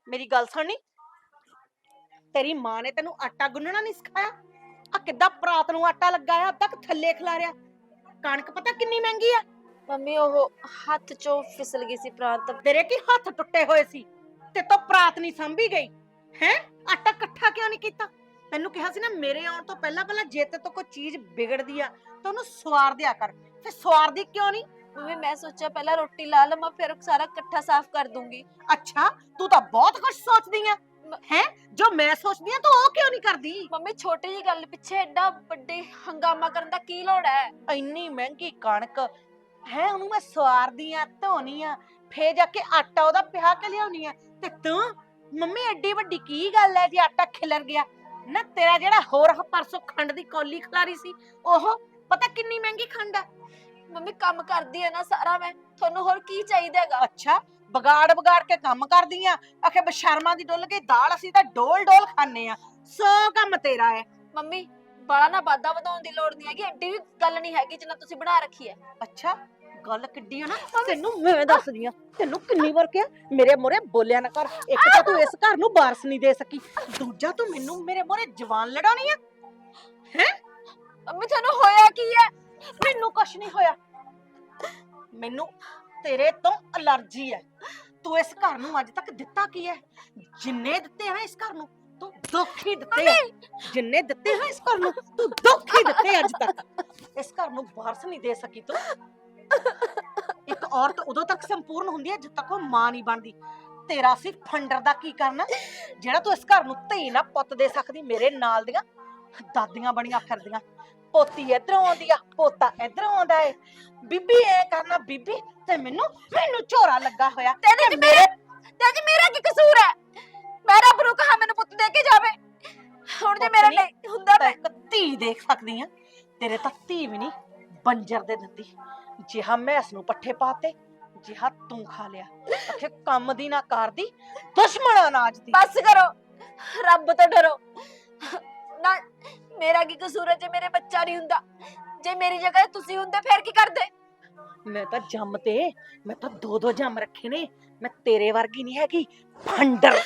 ਮੇਰੀ ਗੱਲ ਸੁਣਨੀ। ਤੇਰੀ ਮਾਂ ਨੇ ਤੈਨੂੰ ਆਟਾ ਗੁੰਨਣਾ ਨਹੀਂ ਸਿਖਾਇਆ? ਆ ਕਿੱਦਾਂ ਪਰਾਤ ਨੂੰ ਆਟਾ ਲੱਗਾ ਆ, ਅੱਧਾ ਕੁ ਥੱਲੇ ਖਿਲਾਰਿਆ। ਕਣਕ ਪਤਾ ਕਿੰਨੀ ਮਹਿੰਗੀ ਆ? ਮੰਮੀ ਉਹ ਹੱਥ ਚੋਂ ਫਿਸਲ ਗਈ ਸੀ ਪ੍ਰਾਂਤ। ਤੇਰੇ ਕੀ ਹੱਥ ਟੁੱਟੇ ਹੋਏ ਸੀ ਤੇ ਤੋ ਪਰਾਤ ਨਹੀਂ ਸੰਭੀ ਗਈ ਹੈ? ਆਟਾ ਇਕੱਠਾ ਕਿਉਂ ਨਹੀਂ ਕੀਤਾ? ਤੈਨੂੰ ਕਿਹਾ ਸੀ ਨਾ ਮੇਰੇ ਆਉਣ ਤੋਂ ਪਹਿਲਾਂ ਜੇ ਤੇ ਤੋਂ ਕੋਈ ਚੀਜ਼ ਵਿਗੜਦੀ ਆ ਤਾਂ ਉਹਨੂੰ ਸਵਾਰ ਦਿਆ ਕਰ। ਫਿਰ ਸਵਾਰਦੀ ਕਿਉਂ ਨਹੀਂ? ਮੰਮੀ ਮੈਂ ਸੋਚਿਆ ਪਹਿਲਾਂ ਰੋਟੀ ਲਾ ਲਵਾਂ ਫਿਰ ਸਾਰਾ ਇਕੱਠਾ ਸਾਫ਼ ਕਰ ਦੂੰਗੀ। ਅੱਛਾ, ਤੂੰ ਤਾਂ ਬਹੁਤ ਕੁਝ ਸੋਚਦੀ ਆ ਹੈ। ਜੋ ਮੈਂ ਸੋਚਦੀ ਆ ਤੂੰ ਉਹ ਕਿਉਂ ਨਹੀਂ ਕਰਦੀ? ਮੰਮੀ ਛੋਟੀ ਜੀ ਗੱਲ ਪਿੱਛੇ ਐਡਾ ਵੱਡੇ ਹੰਗਾਮਾ ਕਰਨ ਦਾ ਕੀ ਲੋੜ ਹੈ? ਇੰਨੀ ਮਹਿੰਗੀ ਕਣਕ ਹੈ, ਉਹਨੂੰ ਮੈਂ ਸਵਾਰਦੀ ਆ, ਧੋਣੀ ਆ, ਫੇਰ ਜਾ ਕੇ ਆਟਾ ਉਹਦਾ ਪਿਹਾ ਕੇ ਲਿਆਉਣੀ ਆ। ਤੇ ਤੂੰ ਮੰਮੀ ਐਡੀ ਵੱਡੀ ਕੀ ਗੱਲ ਹੈ ਜੇ ਆਟਾ ਖਿਲਰ ਗਿਆ ਨਾ? ਤੇਰਾ ਜਿਹੜਾ ਹੋਰ ਪਰਸੋਂ ਖੰਡ ਦੀ ਕੌਲੀ ਖਲਾਰੀ ਸੀ, ਉਹ ਪਤਾ ਕਿੰਨੀ ਮਹਿੰਗੀ ਖੰਡ ਆ? ਮੰਮੀ ਕੰਮ ਕਰਦੀ ਹੈ ਨਾ ਸਾਰਾ ਮੈਂ, ਤੁਹਾਨੂੰ ਹੋਰ ਕੀ ਚਾਹੀਦਾ ਹੈਗਾ? ਅੱਛਾ, ਵਿਗਾੜ ਕੇ ਕੰਮ ਕਰਦੀ ਆ। ਆਖੇ ਬਸ਼ਰਮਾਂ ਦੀ ਡੁੱਲ ਗਈ ਦਾਲ, ਅਸੀਂ ਤਾਂ ਡੋਲ ਡੋਲ ਖਾਣੇ ਆ। ਸੋ ਕੰਮ ਤੇਰਾ ਹੈ। ਮੰਮੀ ਬਾਲਾ ਨਾ ਵਾਧਾ ਵਧਾਉਣ ਦੀ ਲੋੜ ਨਹੀਂ ਹੈਗੀ, ਐਡੀ ਵੀ ਗੱਲ ਨਹੀਂ ਹੈਗੀ ਜਿੰਨਾ ਤੁਸੀਂ ਬਣਾ ਰੱਖੀ ਹੈ। ਅੱਛਾ, ਗੱਲ ਕਿੱਡੀ ਆ ਨਾ, ਤੈਨੂੰ ਮੈਂ ਦੱਸਦੀ ਆ। ਤੈਨੂੰ ਕਿੰਨੀ ਵਾਰ ਕਿਹਾ ਮੇਰੇ ਮੋਰੇ ਬੋਲਿਆ ਨਾ ਕਰ। ਇੱਕ ਤਾਂ ਤੂੰ ਇਸ ਘਰ ਨੂੰ ਵਾਰਸ ਨਹੀਂ ਦੇ ਸਕੀ, ਦੂਜਾ ਤੂੰ ਮੈਨੂੰ ਮੇਰੇ ਮੋਰੇ ਜਵਾਨ ਲੜਾਉਣੀ ਆ ਹੈ? ਮੰਮੀ ਤੁਹਾਨੂੰ ਹੋਇਆ ਕੀ ਹੈ? ਮੈਨੂੰ ਕੁਛ ਨਹੀਂ ਹੋਇਆ। ਮੈਨੂੰ ਤੇਰੇ ਤੋਂ ਅਲਰਜੀ ਹੈ। ਤੂੰ ਇਸ ਘਰ ਨੂੰ ਅੱਜ ਤੱਕ ਦਿੱਤਾ ਕੀ ਹੈ? ਜਿੰਨੇ ਦਿੱਤੇ ਆ ਨਾ ਇਸ ਘਰ ਨੂੰ, ਤੂੰ ਦੁੱਖ ਹੀ ਦਿੱਤੇ ਆ। ਜਿੰਨੇ ਦਿੱਤੇ ਨਾ ਇਸ ਘਰ ਨੂੰ, ਤੂੰ ਦੁੱਖ ਹੀ ਦਿੱਤੇ ਅੱਜ ਤੱਕ। ਇਸ ਘਰ ਨੂੰ ਵਾਰਸ ਨਹੀਂ ਦੇ ਸਕੀ ਤੂੰ। ਇੱਕ ਔਰਤ ਉਦੋਂ ਤੱਕ ਸੰਪੂਰਨ ਹੁੰਦੀ ਹੈ ਜਦ ਤੱਕ ਉਹ ਮਾਂ ਨਹੀਂ ਬਣਦੀ। ਤੇਰਾ ਸੀ ਫੰਡਰ ਦਾ ਕੀ ਕਰਨਾ ਜਿਹੜਾ ਤੂੰ ਇਸ ਘਰ ਨੂੰ ਧੀ ਨਾ ਪੁੱਤ ਦੇ ਸਕਦੀ? ਮੇਰੇ ਨਾਲ ਦੀਆਂ ਦਾਦੀਆਂ ਬਣੀਆਂ ਫਿਰਦੀਆਂ, ਪੋਤੀ ਇਧਰੋਂ ਆਉਂਦੀ ਆ, ਪੋਤਾ ਇਧਰੋਂ ਆਉਂਦਾ ਏ, ਬੀਬੀ ਐ ਕਰਨਾ ਬੀਬੀ, ਤੇ ਮੈਨੂੰ ਝੋਰਾ ਲੱਗਾ ਹੋਇਆ। ਤੇ ਮੇਰਾ ਕੀ ਕਸੂਰ ਹੈ? ਮੈਂ ਰੱਬ ਨੂੰ ਕਹਾ ਮੈਨੂੰ ਪੁੱਤ ਦੇ ਕੇ ਜਾਵੇ। ਹੁਣ ਜੇ ਮੇਰਾ ਨਹੀਂ ਹੁੰਦਾ ਮੈਂ ਧੀ ਦੇਖ ਸਕਦੀ ਆ। ਤੇਰੇ ਤਾਂ ਧੀ ਵੀ ਨਹੀਂ, ਬੰਜਰ ਦੇ ਦਿੰਦੀ। ਜਿਹਾ ਮੈਸ ਨੂੰ ਪੱਠੇ ਪਾਤੇ, ਜਿਹਾ ਤੂੰ ਖਾ ਲਿਆ। ਅਖੇ ਕੰਮ ਦੀ ਨਾ ਕਰਦੀ, ਦੁਸ਼ਮਣ ਅਨਾਜ ਦੀ। ਬਸ ਕਰੋ, ਰੱਬ ਤੋਂ ਡਰੋ ਨਾ। ਮੇਰਾ ਕੀ ਕਸੂਰ ਹੈ ਜੇ ਮੇਰੇ ਬੱਚਾ ਨਹੀਂ ਹੁੰਦਾ? ਜੇ ਮੇਰੀ ਜਗ੍ਹਾ ਤੁਸੀਂ ਹੁੰਦੇ ਫਿਰ ਕੀ ਕਰਦੇ? ਮੈਂ ਤਾਂ ਜੰਮ ਤੇ ਮੈਂ ਤਾਂ ਦੋ ਜੰਮ ਰੱਖੇ ਨੇ। ਮੈਂ ਤੇਰੇ ਵਰਗੀ ਨਹੀਂ ਹੈਗੀ ਫੰਡਰ।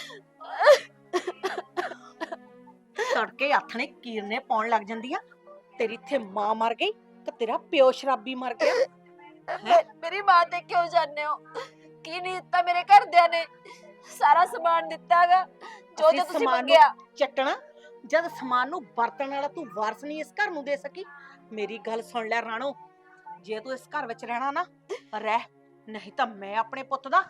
ਤੜਕੇ ਹੱਥ ਨੇ ਕੀਰਨੇ ਪਾਉਣ ਲੱਗ ਜਾਂਦੀ ਆ। ਤੇਰੀ ਇੱਥੇ ਮਾਂ ਮਰ ਗਈ ਤੇ ਤੇਰਾ ਪਿਓ ਸ਼ਰਾਬੀ ਮਰ ਗਿਆ। ਮੇਰੀ ਮਾਂ ਤੇ ਕਿਉਂ ਜਾਂਦੇ ਹੋ? ਕੀ ਨਹੀਂ ਦਿੱਤਾ ਮੇਰੇ ਘਰਦਿਆਂ ਨੇ? ਸਾਰਾ ਸਮਾਨ ਦਿੱਤਾਗਾ ਜੋ ਤੁਸੀਂ ਮੰਗਿਆ। ਚੱਟਣਾ ਜਦ ਸਮਾਨ ਨੂੰ ਵਰਤਣ ਵਾਲਾ ਤੂੰ ਵਾਰਸ ਨਹੀਂ ਇਸ ਘਰ ਨੂੰ ਦੇ ਸਕੀ। ਮੇਰੀ ਗੱਲ ਸੁਣ ਲੈ ਰਾਣੋ, ਜੇ ਤੂੰ ਇਸ ਘਰ ਵਿੱਚ ਰਹਿਣਾ ਨਾ ਰਹਿ, ਨਹੀਂ ਤਾਂ ਮੈਂ ਆਪਣੇ ਪੁੱਤ ਦਾ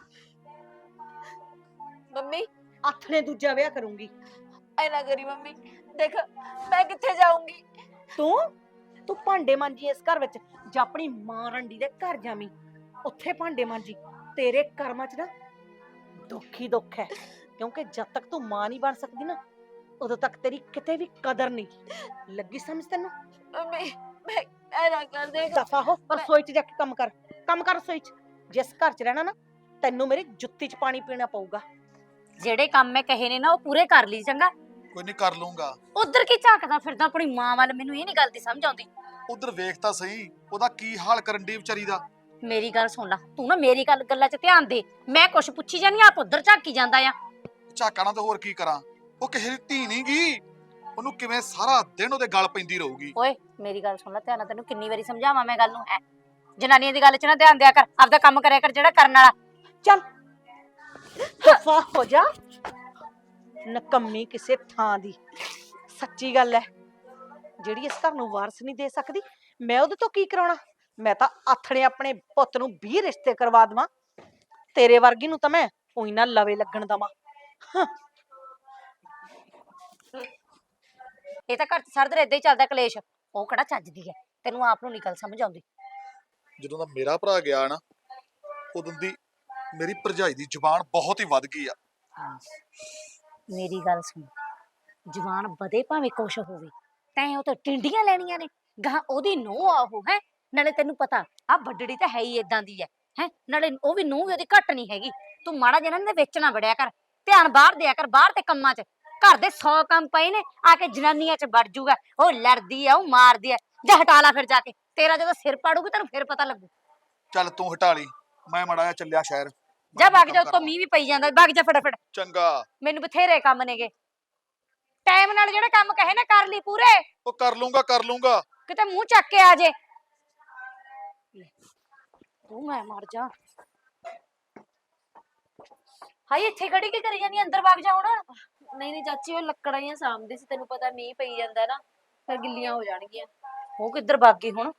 ਮੰਮੀ ਆਥਣੇ ਦੂਜਾ ਵਿਆਹ ਕਰੂੰਗੀ। ਐਨਾ ਕਰੀ ਮੰਮੀ, ਦੇਖ ਮੈਂ ਕਿੱਥੇ ਜਾਊਂਗੀ? ਤੂੰ ਭਾਂਡੇ ਮਾਂਜੀ ਇਸ ਘਰ ਵਿੱਚ, ਜਾਂ ਆਪਣੀ ਮਾਂ ਰੰਡੀ ਦੇ ਘਰ ਜਾਵੀਂ, ਉੱਥੇ ਭਾਂਡੇ ਮਾਂਜੀ। ਤੇਰੇ ਕਰਮਾਂ 'ਚ ਨਾ ਦੁੱਖ ਹੀ ਦੁੱਖ ਹੈ, ਕਿਉਂਕਿ ਜਦ ਤੱਕ ਤੂੰ ਮਾਂ ਨਹੀਂ ਬਣ ਸਕਦੀ ਨਾ ਉਦੋਂ ਤੱਕ ਤੇਰੀ ਕਿਤੇ ਵੀ ਕਦਰ ਨਹੀਂ ਲੱਗੀ। ਸਮਝ ਤੈਨੂੰ? ਮੰਮੀ ਮੈਂ ਐਨਾ ਕਰ ਦੇ। ਦਫਾ ਹੋ, ਰਸੋਈ 'ਚ ਜਾ ਕੇ ਕੰਮ ਕਰ ਰਸੋਈ 'ਚ। ਜਿਸ ਘਰ 'ਚ ਰਹਿਣਾ ਨਾ, ਤੈਨੂੰ ਮੇਰੀ ਜੁੱਤੀ 'ਚ ਪਾਣੀ ਪੀਣਾ ਪਊਗਾ। ਜਿਹੜੇ ਕੰਮ ਮੈਂ ਕਹੇ ਨੇ ਨਾ ਉਹ ਪੂਰੇ ਕਰ ਲਈ। ਚੰਗਾ, ਕੋਈ ਨਹੀਂ ਕਰ ਲੂੰਗਾ। ਉਧਰ ਕੀ ਝਾਕਦਾ ਫਿਰਦਾ ਆਪਣੀ ਮਾਂ ਵੱਲ? ਮੈਨੂੰ ਇਹ ਨਹੀਂ ਗੱਲ ਦੀ ਸਮਝ ਆਉਂਦੀ। ਉਧਰ ਵੇਖ ਤਾਂ ਸਹੀ, ਉਹਦਾ ਕੀ ਹਾਲ ਕਰਨ ਦੀ ਵਿਚਾਰੀ ਦਾ। ਮੇਰੀ ਗੱਲ ਸੁਣ ਲੈ, ਤੂੰ ਨਾ ਮੇਰੀ ਗੱਲਾਂ 'ਚ ਧਿਆਨ ਦੇ। ਮੈਂ ਕੁਛ ਪੁੱਛੀ ਜਾਨੀ, ਆਪ ਉਧਰ ਝਾਕੀ ਜਾਂਦਾ ਆ। ਝਾਕਣਾ ਤਾਂ ਹੋਰ ਕੀ ਕਰਾਂ, ਉਹ ਕਿਸੇ ਦੀ ਧੀ ਨਹੀਂ ਗਈ। ਉਹਨੂੰ ਕਿਵੇਂ ਸਾਰਾ ਦਿਨ ਉਹਦੇ ਗਲ ਪੈਂਦੀ ਰਹੂਗੀ। ਓਏ ਮੇਰੀ ਗੱਲ ਸੁਣ ਲੈ ਧਿਆਨ ਨਾਲ, ਤੈਨੂੰ ਕਿੰਨੀ ਵਾਰੀ ਸਮਝਾਵਾਂ ਮੈਂ ਗੱਲ ਨੂੰ? ਹੈ ਜਨਾਨੀਆਂ ਦੀ ਗੱਲ 'ਚ ਨਾ ਧਿਆਨ ਦਿਆ ਕਰ, ਆਪਦਾ ਕੰਮ ਕਰਿਆ ਕਰ ਜਿਹੜਾ ਕਰਨ ਵਾਲਾ। ਚੱਲ ਦਫਾ ਹੋ ਜਾ, ਨਕੰਮੀ ਕਿਸੇ ਥਾਂ ਦੀ। ਸੱਚੀ ਗੱਲ ਹੈ, ਜਿਹੜੀ ਇਸ ਘਰ ਨੂੰ ਵਾਰਸ ਨਹੀਂ ਦੇ ਸਕਦੀ, ਮੈਂ ਉਹਦੇ ਤੋਂ ਕੀ ਕਰਾਉਣਾ? ਮੈਂ ਤਾਂ ਆਥਣੇ ਆਪਣੇ ਪੁੱਤ ਨੂੰ 20 ਰਿਸ਼ਤੇ ਕਰਵਾ ਦੇਵਾਂ। ਤੇਰੇ ਵਰਗੀ ਨੂੰ ਤਾਂ ਮੈਂ ਉਹੀ ਨਾ ਲਵੇ ਲੱਗਣ ਦਵਾਂ। ਇਹ ਤਾਂ ਘਰ 'ਚ ਸਾਰਾ ਦਿਨ ਏਦਾਂ ਹੀ ਚੱਲਦਾ ਕਲੇਸ਼। ਉਹ ਕਿਹੜਾ ਚੱਜਦੀ ਹੈ, ਤੈਨੂੰ ਆਪ ਨੂੰ ਨਹੀਂ ਗੱਲ ਸਮਝ ਆਉਂਦੀ। ਜਦੋਂ ਦਾ ਮੇਰਾ ਭਰਾ ਗਿਆ ਨਾ, ਉਦੋਂ ਦੀ ਮੇਰੀ ਭਰਜਾਈ ਦੀ ਜ਼ੁਬਾਨ ਬਹੁਤ ਹੀ ਵੱਧ ਗਈ ਆ। ਮੇਰੀ ਗੱਲ ਸੁਣ, ਜਵਾਨ ਵਧੇ ਭਾਵੇਂ ਕੁਛ ਹੋਵੇ, ਤੈਂ ਉਹ ਤਾਂ ਟਿੰਡੀਆਂ ਲੈਣੀਆਂ ਨੇ। ਗਾਂ ਉਹਦੀ ਨੂੰਹ ਆ ਉਹ, ਹੈ ਨਾਲੇ ਤੈਨੂੰ ਪਤਾ ਆ ਵੱਡੜੀ ਤਾਂ ਹੈ ਹੀ ਏਦਾਂ ਦੀ ਹੈ। ਨਾਲੇ ਉਹ ਵੀ ਨੂੰਹ ਵੀ ਉਹਦੀ ਘੱਟ ਨਹੀਂ ਹੈਗੀ। ਤੂੰ ਮਾੜਾ ਜਿਹਾ ਇਹਨਾਂ ਦੇ ਵਿੱਚ ਨਾ ਵੜਿਆ ਕਰ, ਧਿਆਨ ਬਾਹਰ ਦਿਆ ਕਰ, ਬਾਹਰ ਤੇ ਕੰਮਾਂ 'ਚ। ਘਰ ਦੇ 100 ਕੰਮ ਪਏ ਨੇ, ਆ ਕੇ ਜਨਾਨੀਆਂ 'ਚ ਵੜ ਜੂਗਾ। ਉਹ ਲੜਦੀ ਆ, ਉਹ ਮਾਰਦੀ ਆ। ਜਾ ਹਟਾ ਲਾ ਫਿਰ ਜਾ ਕੇ, ਤੇਰਾ ਜਦੋਂ ਸਿਰ ਪਾੜੂਗੀ ਤੈਨੂੰ ਫਿਰ ਪਤਾ ਲੱਗੂ। ਚੱਲ ਤੂੰ ਹਟਾ ਲਈ, ਮੈਂ ਮਾੜਾ ਜਿਹਾ ਚੱਲਿਆ ਸ਼ਹਿਰ। ਜਾ ਮੈਂ ਵਗ ਜਾ, ਕੰਮ ਉੱਤੋਂ ਕਰਾਂ। ਮੀਂਹ ਵੀ ਪਈ ਜਾਂਦਾ, ਵਗ ਜਾ ਫਟਾਫਟ। ਚੰਗਾ। ਮੈਨੂੰ ਬਥੇਰੇ ਕੰਮ ਨੇਗੇ, ਟਾਈਮ ਨਾਲ ਜਿਹੜਾ ਕੰਮ ਕਹੇ ਨਾ ਕਰ ਲਈ ਪੂਰੇ, ਉਹ ਕਰ ਲੂੰਗਾ। ਕਿਤੇ ਮੂੰਹ ਚੱਕ ਕੇ ਆ ਜੇ। ਤੂੰ ਮੈਂ ਮਰ ਜਾ। ਹਾਏ ਇੱਥੇ ਖੜੀ ਕੀ ਕਰੀ ਜਾਨੀ, ਅੰਦਰ ਵਗ ਜਾ ਹੁਣ। ਨਹੀਂ ਨਹੀਂ ਚਾਚੀ, ਉਹ ਲੱਕੜਾਂ ਹੀ ਸਾਂਭਦੀ ਸੀ, ਤੈਨੂੰ ਪਤਾ ਮੀਂਹ ਪਈ ਜਾਂਦਾ ਨਾ, ਫਿਰ ਗਿੱਲੀਆਂ ਹੋ ਜਾਣਗੀਆਂ। ਉਹ ਕਿੱਧਰ ਵਗ ਗਈ ਹੁਣ?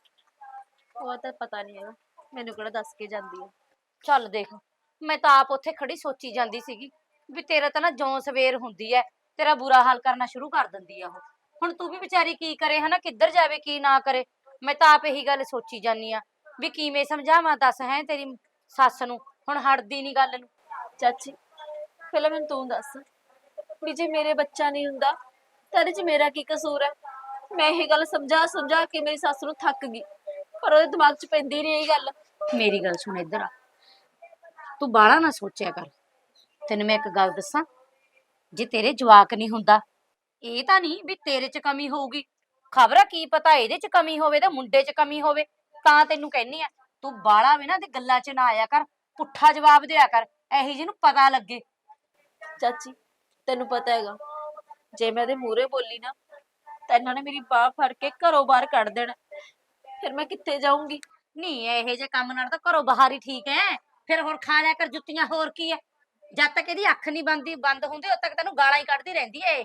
ਉਹ ਤਾਂ ਪਤਾ ਨਹੀਂ ਹੈਗਾ, ਮੈਨੂੰ ਕਿਹੜਾ ਦੱਸ ਕੇ ਜਾਂਦੀ ਹੈ। ਚੱਲ ਦੇਖ, ਮੈਂ ਤਾਂ ਆਪ ਉੱਥੇ ਖੜੀ ਸੋਚੀ ਜਾਂਦੀ ਸੀਗੀ ਵੀ ਤੇਰਾ ਤਾਂ ਨਾ ਜੋਂ ਸਵੇਰ ਹੁੰਦੀ ਐ ਤੇਰਾ ਬੁਰਾ ਹਾਲ ਕਰਨਾ ਸ਼ੁਰੂ ਕਰ ਦਿੰਦੀ ਆ ਉਹ। ਹੁਣ ਤੂੰ ਵੀ ਵਿਚਾਰੀ ਕੀ ਕਰੇ ਹਨਾ, ਕਿੱਧਰ ਜਾਵੇ ਕੀ ਨਾ ਕਰੇ। ਮੈਂ ਤਾਂ ਆਪ ਇਹੀ ਗੱਲ ਸੋਚੀ ਜਾਨੀ ਆ ਵੀ ਕਿਵੇਂ ਸਮਝਾਵਾਂ, ਦੱਸ ਹੈ ਤੇਰੀ ਸੱਸ ਨੂੰ, ਹੁਣ ਹਟਦੀ ਨਹੀਂ ਗੱਲ ਨੂੰ। ਚਾਚੀ ਪਹਿਲਾਂ ਮੈਨੂੰ ਤੂੰ ਦੱਸ ਵੀ ਜੇ ਮੇਰੇ ਬੱਚਾ ਨਹੀਂ ਹੁੰਦਾ ਤਾਂ ਇਹਦੇ ਚ ਮੇਰਾ ਕੀ ਕਸੂਰ ਹੈ? ਮੈਂ ਇਹ ਗੱਲ ਸਮਝਾ ਸਮਝਾ ਕੇ ਮੇਰੀ ਸੱਸ ਨੂੰ ਥੱਕ ਗਈ, ਪਰ ਉਹਦੇ ਦਿਮਾਗ 'ਚ ਪੈਂਦੀ ਨਹੀਂ ਇਹ ਗੱਲ। ਮੇਰੀ ਗੱਲ ਸੁਣ, ਇੱਧਰ ਆ, ਤੂੰ ਬਾਹਲਾ ਨਾ ਸੋਚਿਆ ਕਰ। ਤੈਨੂੰ ਮੈਂ ਇੱਕ ਗੱਲ ਦੱਸਾਂ, ਜੇ ਤੇਰੇ ਜਵਾਕ ਨਹੀਂ ਹੁੰਦਾ, ਇਹ ਤਾਂ ਨਹੀਂ ਵੀ ਤੇਰੇ 'ਚ ਕਮੀ ਹੋਊਗੀ, ਖਬਰ ਆ ਕੀ ਪਤਾ ਇਹਦੇ 'ਚ ਕਮੀ ਹੋਵੇ ਤੇ ਮੁੰਡੇ 'ਚ ਕਮੀ ਹੋਵੇ। ਤਾਂ ਤੈਨੂੰ ਕਹਿੰਨੀ ਆ, ਤੂੰ ਬਾਹਲਾ ਵੀ ਨਾ ਤੇ ਗੱਲਾਂ 'ਚ ਨਾ ਆਇਆ ਕਰ, ਪੁੱਠਾ ਜਵਾਬ ਦਿਆ ਕਰ, ਇਹੀ ਜਿਹਨੂੰ ਪਤਾ ਲੱਗੇ। ਚਾਚੀ ਤੈਨੂੰ ਪਤਾ ਹੈਗਾ, ਜੇ ਮੈਂ ਇਹਦੇ ਮੂਹਰੇ ਬੋਲੀ ਨਾ ਤਾਂ ਇਹਨਾਂ ਨੇ ਮੇਰੀ ਬਾਹ ਫੜ ਕੇ ਘਰੋਂ ਬਾਹਰ ਕੱਢ ਦੇਣਾ, ਫਿਰ ਮੈਂ ਕਿੱਥੇ ਜਾਊਂਗੀ? ਨਹੀਂ ਇਹੋ ਜਿਹੇ ਕੰਮ ਨਾਲ ਤਾਂ ਘਰੋਂ ਬਾਹਰ ਹੀ ਠੀਕ ਹੈ। ਫਿਰ ਹੋਰ ਖਾ ਲਿਆ ਕਰ ਜੁੱਤੀਆਂ, ਹੋਰ ਕੀ ਹੈ। ਜਦ ਤੱਕ ਇਹਦੀ ਅੱਖ ਨਹੀਂ ਬੰਦ ਹੁੰਦੀ ਉਦ ਤੱਕ ਤੈਨੂੰ ਗਾਲਾਂ ਹੀ ਕੱਢਦੀ ਰਹਿੰਦੀ ਏ।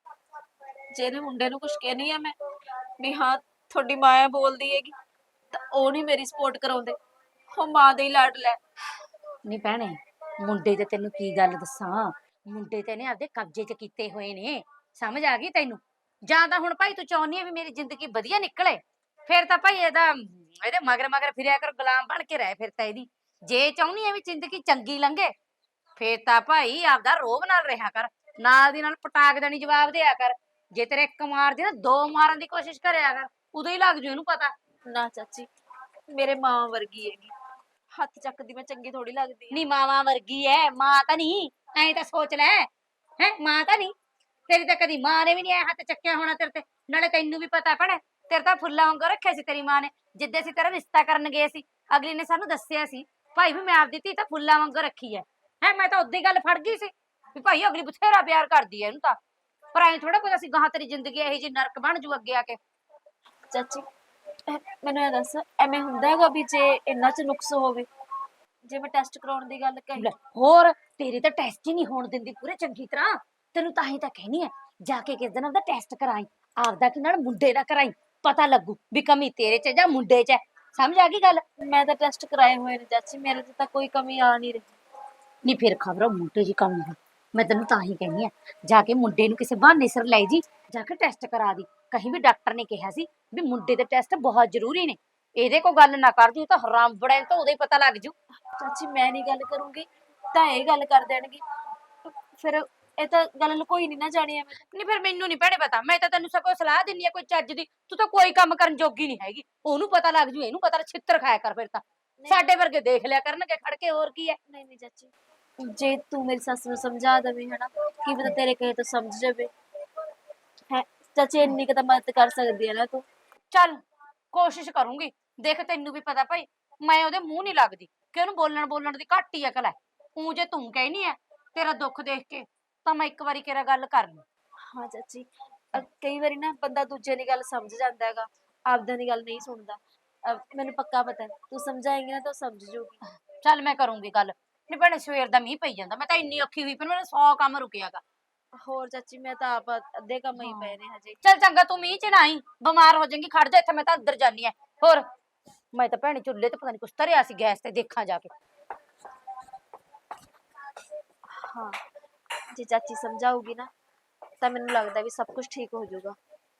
ਜੇ ਇਹਦੇ ਮੁੰਡੇ ਨੂੰ ਕੁਝ ਕਹਿਨੀ ਆ ਮੈਂ ਵੀ ਹਾਂ ਤੁਹਾਡੀ ਮਾਂ ਐ ਬੋਲਦੀ ਹੈਗੀ, ਤਾਂ ਉਹ ਨਹੀਂ ਮੇਰੀ ਸਪੋਰਟ ਕਰਾਉਂਦੇ, ਉਹ ਮਾਂ ਦੇ ਹੀ ਲਾਡ ਲੈ। ਨਹੀਂ ਭੈਣੇ, ਮੁੰਡੇ ਤੇ ਤੈਨੂੰ ਕੀ ਗੱਲ ਦੱਸਾਂ, ਮੁੰਡੇ ਤੇ ਨੇ ਆਪਦੇ ਕਬਜ਼ੇ 'ਚ ਕੀਤੇ ਹੋਏ ਨੇ, ਸਮਝ ਆ ਗਈ ਤੈਨੂੰ? ਜਾਂ ਤਾਂ ਹੁਣ ਭਾਈ ਤੂੰ ਚਾਹੁੰਦੀ ਹੈ ਵੀ ਮੇਰੀ ਜ਼ਿੰਦਗੀ ਵਧੀਆ ਨਿਕਲੇ, ਫਿਰ ਤਾਂ ਭਾਈ ਇਹਦੇ ਮਗਰ ਮਗਰ ਫਿਰਿਆ ਕਰ, ਗੁਲਾਮ ਬਣ ਕੇ ਰਹਿ ਫਿਰ ਤਾਂ ਇਹਦੀ। ਜੇ ਚਾਹੁੰਦੀ ਹੈ ਵੀ ਜ਼ਿੰਦਗੀ ਚੰਗੀ ਲੰਘੇ, ਫੇਰ ਤਾਂ ਭਾਈ ਆਪਦਾ ਰੋਬ ਨਾਲ ਰਿਹਾ ਕਰ, ਨਾਲ ਦੀ ਨਾਲ ਪਟਾਕ ਦੇਣੀ ਜਵਾਬ ਦਿਆ ਕਰ। ਜੇ ਤੇਰੇ ਇੱਕ ਮਾਰਦੀ ਨਾ, ਦੋ ਮਾਰਨ ਦੀ ਕੋਸ਼ਿਸ਼ ਕਰਿਆ ਕਰ, ਉਦੋਂ ਹੀ ਲੱਗ ਜੂ ਇਹਨੂੰ ਪਤਾ। ਨਾ ਚਾਚੀ, ਮੇਰੇ ਮਾਂ ਵਰਗੀ ਹੈਗੀ, ਹੱਥ ਚੱਕਦੀ ਮੈਂ ਚੰਗੀ ਥੋੜੀ ਲੱਗਦੀ ਆ। ਨੀ ਮਾਵਾਂ ਵਰਗੀ ਐ, ਮਾਂ ਤਾਂ ਨਹੀਂ, ਐਂ ਤਾਂ ਸੋਚ ਲੈ, ਹੈ ਮਾਂ ਤਾਂ ਨਹੀਂ। ਤੇਰੀ ਤਾਂ ਕਦੀ ਮਾਂ ਨੇ ਵੀ ਨਹੀਂ ਐ ਹੱਥ ਚੱਕਿਆ ਹੋਣਾ ਤੇਰੇ ਤੇ। ਨਾਲੇ ਤੈਨੂੰ ਵੀ ਪਤਾ ਭੈਣੇ, ਤੇਰੇ ਤਾਂ ਫੁੱਲਾਂ ਵਾਂਗੂ ਰੱਖਿਆ ਸੀ ਤੇਰੀ ਮਾਂ ਨੇ। ਜਿੱਦੇ ਅਸੀਂ ਤੇਰਾ ਰਿਸ਼ਤਾ ਕਰਨ ਗਏ ਸੀ, ਅਗਲੀ ਨੇ ਸਾਨੂੰ ਦੱਸਿਆ ਸੀ ਭਾਈ ਵੀ ਮੈਂ ਆਪਦੀ ਧੀ ਤਾਂ ਫੁੱਲਾਂ ਵਾਂਗੂ ਰੱਖੀ ਐ। ਮੈਂ ਤਾਂ ਉਦੋਂ ਹੀ ਗੱਲ ਫੜ ਗਈ ਸੀ ਵੀ ਭਾਈ ਅਗਲੀ ਬਥੇਰਾ ਪਿਆਰ ਕਰਦੀ ਐ ਇਹਨੂੰ ਤਾਂ, ਪਰ ਐਂ ਥੋੜਾ ਪਤਾ ਸੀ ਗਾਹਾਂ ਤੇਰੀ ਜ਼ਿੰਦਗੀ ਇਹੋ ਜਿਹੀ ਨਰਕ ਬਣ ਜੂ ਅੱਗੇ ਆ ਕੇ। ਚਾਚੀ ਮੈਨੂੰ ਇਹ ਦੱਸ, ਐਵੇਂ ਹੁੰਦਾ ਹੈਗਾ ਵੀ ਜੇ ਇਹਨਾਂ 'ਚ ਨੁਕਸ ਹੋਵੇ? ਜੇ ਮੈਂ ਟੈਸਟ ਕਰਾਉਣ ਦੀ ਗੱਲ ਕਹੀ, ਲੈ ਹੋਰ, ਤੇਰੇ ਤਾਂ ਟੈਸਟ ਹੀ ਨਹੀਂ ਹੋਣ ਦਿੰਦੀ ਪੂਰੇ ਚੰਗੀ ਤਰ੍ਹਾਂ। ਤੈਨੂੰ ਤਾਂ ਹੀ ਤਾਂ ਕਹਿਨੀ ਐ, ਜਾ ਕੇ ਕਿਸ ਦਿਨ ਆਪਦਾ ਟੈਸਟ ਕਰਾਈ, ਆਪਦਾ ਕਿ ਨਾਲ ਮੁੰਡੇ ਦਾ ਕਰਾਈ, ਪਤਾ ਲੱਗੂ ਵੀ ਕਮੀ ਤੇਰੇ 'ਚ ਜਾਂ ਮੁੰਡੇ 'ਚ ਐ। ਸਮਝ ਆ ਗਈ ਗੱਲ? ਮੈਂ ਤਾਂ ਟੈਸਟ ਕਰਾਏ ਹੋਏ ਨੇ ਚਾਚੀ, ਮੇਰੇ 'ਚ ਤਾਂ ਕੋਈ ਕਮੀ ਆ ਨਹੀਂ ਰਹੀ। ਨਹੀਂ ਫਿਰ ਖਬਰ ਮੁੰਡੇ ਦੀ ਕਮੀ ਹੋ, ਮੈਂ ਤੈਨੂੰ ਤਾਂ ਹੀ ਕਹਿੰਦੀ ਆ, ਜਾ ਕੇ ਮੁੰਡੇ ਨੂੰ ਕਿਸੇ ਬਹਾਨੇ ਸਿਰ ਲੈ ਜੀ, ਜਾ ਕੇ ਟੈਸਟ ਕਰਾ ਦੀ। ਕਹੀਂ ਵੀ ਡਾਕਟਰ ਨੇ ਕਿਹਾ ਸੀ ਵੀ ਮੁੰਡੇ ਦੇ ਟੈਸਟ ਬਹੁਤ ਜ਼ਰੂਰੀ ਨੇ, ਇਹਦੇ ਕੋਲ ਗੱਲ ਨਾ ਕਰ ਜੂ ਤਾਂ ਹਰਾਮ ਬੜਾ ਤਾਂ ਉਦੋਂ ਹੀ ਪਤਾ ਲੱਗ ਜੂ। ਚਾਚੀ ਮੈਂ ਨਹੀਂ ਗੱਲ ਕਰੂੰਗੀ ਤਾਂ ਇਹ ਗੱਲ ਕਰ ਦੇਣਗੇ, ਫਿਰ ਇਹ ਤਾਂ ਗੱਲ ਲੁਕੋਈ ਨਹੀਂ ਨਾ ਜਾਣੀ ਐਵੇਂ। ਨਹੀਂ ਫਿਰ ਮੈਨੂੰ ਨਹੀਂ ਭੈਣੇ ਪਤਾ, ਮੈਂ ਤਾਂ ਤੈਨੂੰ ਸਗੋਂ ਸਲਾਹ ਦਿੰਨੀ ਆ ਕੋਈ ਚੱਜ ਦੀ। ਤੂੰ ਤਾਂ ਕੋਈ ਕੰਮ ਕਰਨ ਜੋਗੀ ਨਹੀਂ ਹੈਗੀ, ਉਹਨੂੰ ਪਤਾ ਲੱਗ ਜੂ, ਇਹਨੂੰ ਪਤਾ, ਛਿੱਤਰ ਖਾਇਆ ਕਰ ਫਿਰ ਤਾਂ। ਸਾਡੇ ਵਰਗੇ ਦੇਖ ਲਿਆ ਕਰਨਗੇ ਖੜ ਕੇ, ਹੋਰ ਕੀ ਹੈ। ਨਹੀਂ ਨਹੀਂ ਚਾਚੀ, ਜੇ ਤੂੰ ਮੇਰੀ ਸੱਸ ਨੂੰ ਸਮਝਾ ਦੇਵੇਂ ਹਨਾ, ਕੀ ਪਤਾ ਤੇਰੇ ਕਹੇ ਤੋਂ ਸਮਝ ਜਾਵੇ ਹੈ। ਚਾਚੀ ਇੰਨੀ ਕੁ ਤਾਂ ਮਦਦ ਕਰ ਸਕਦੀ ਹੈ ਨਾ ਤੂੰ। ਚੱਲ ਕੋਸ਼ਿਸ਼ ਕਰੂੰਗੀ। ਦੇਖ ਤੈਨੂੰ ਵੀ ਪਤਾ ਭਾਈ, ਮੈਂ ਉਹਦੇ ਮੂੰਹ ਨਹੀਂ ਲੱਗਦੀ ਕਿ ਉਹਨੂੰ ਬੋਲਣ ਦੀ ਘੱਟ ਹੀ ਅਕਲ ਹੈ। ਊਂ ਜੇ ਤੂੰ ਕਹਿਨੀ ਹੈ ਤੇਰਾ ਦੁੱਖ ਦੇਖ ਕੇ, ਤਾਂ ਮੈਂ ਇੱਕ ਵਾਰੀ ਕਿਹੜਾ ਗੱਲ ਕਰ ਲਈ। ਹਾਂ ਚਾਚੀ, ਕਈ ਵਾਰੀ ਨਾ ਬੰਦਾ ਦੂਜੇ ਦੀ ਗੱਲ ਸਮਝ ਜਾਂਦਾ ਹੈਗਾ, ਆਪਦਿਆਂ ਦੀ ਗੱਲ ਨਹੀਂ ਸੁਣਦਾ। ਮੈਨੂੰ ਪੱਕਾ ਪਤਾ ਹੈ, ਤੂੰ ਸਮਝਾਏਂਗੀ ਨਾ ਤਾਂ ਉਹ ਸਮਝ ਜਾਊਗੀ। ਚੱਲ ਮੈਂ ਕਰੂੰਗੀ ਗੱਲ। ਨਹੀਂ ਭੈਣੇ ਸਵੇਰ ਦਾ ਮੀਂਹ ਪਈ ਜਾਂਦਾ, ਮੈਂ ਤਾਂ ਇੰਨੀ ਔਖੀ ਹੋਈ, ਪਰ ਮੈਨੂੰ 100 ਕੰਮ ਰੁਕਿਆਗਾ। ਹੋਰ ਚਾਚੀ, ਮੈਂ ਤਾਂ ਆਪ ਅੱਧੇ ਕੰਮ ਹੀ ਪਏ ਨੇ ਹਜੇ। ਚੱਲ ਚੰਗਾ, ਤੂੰ ਮੀਂਹ ਚ ਨਾ ਆਈ, ਬਿਮਾਰ ਹੋ ਜਾਏਂਗੀ, ਖੜ ਜਾ ਇੱਥੇ, ਮੈਂ ਤਾਂ ਅੰਦਰ ਜਾਨੀ ਆ। ਹੋਰ ਮੈਂ ਤਾਂ ਭੈਣੇ ਚੁੱਲ੍ਹੇ ਤੇ ਪਤਾ ਨੀ ਕੁਛ ਧਰਿਆ ਸੀ ਗੈਸ ਤੇ, ਦੇਖਾਂ ਜਾ ਕੇ। ਹਾਂ, ਜੇ ਚਾਚੀ ਸਮਝਾਊਗੀ ਨਾ ਤਾਂ ਮੈਨੂੰ ਲੱਗਦਾ ਵੀ ਸਭ ਕੁਝ ਠੀਕ ਹੋ ਜਾਊਗਾ।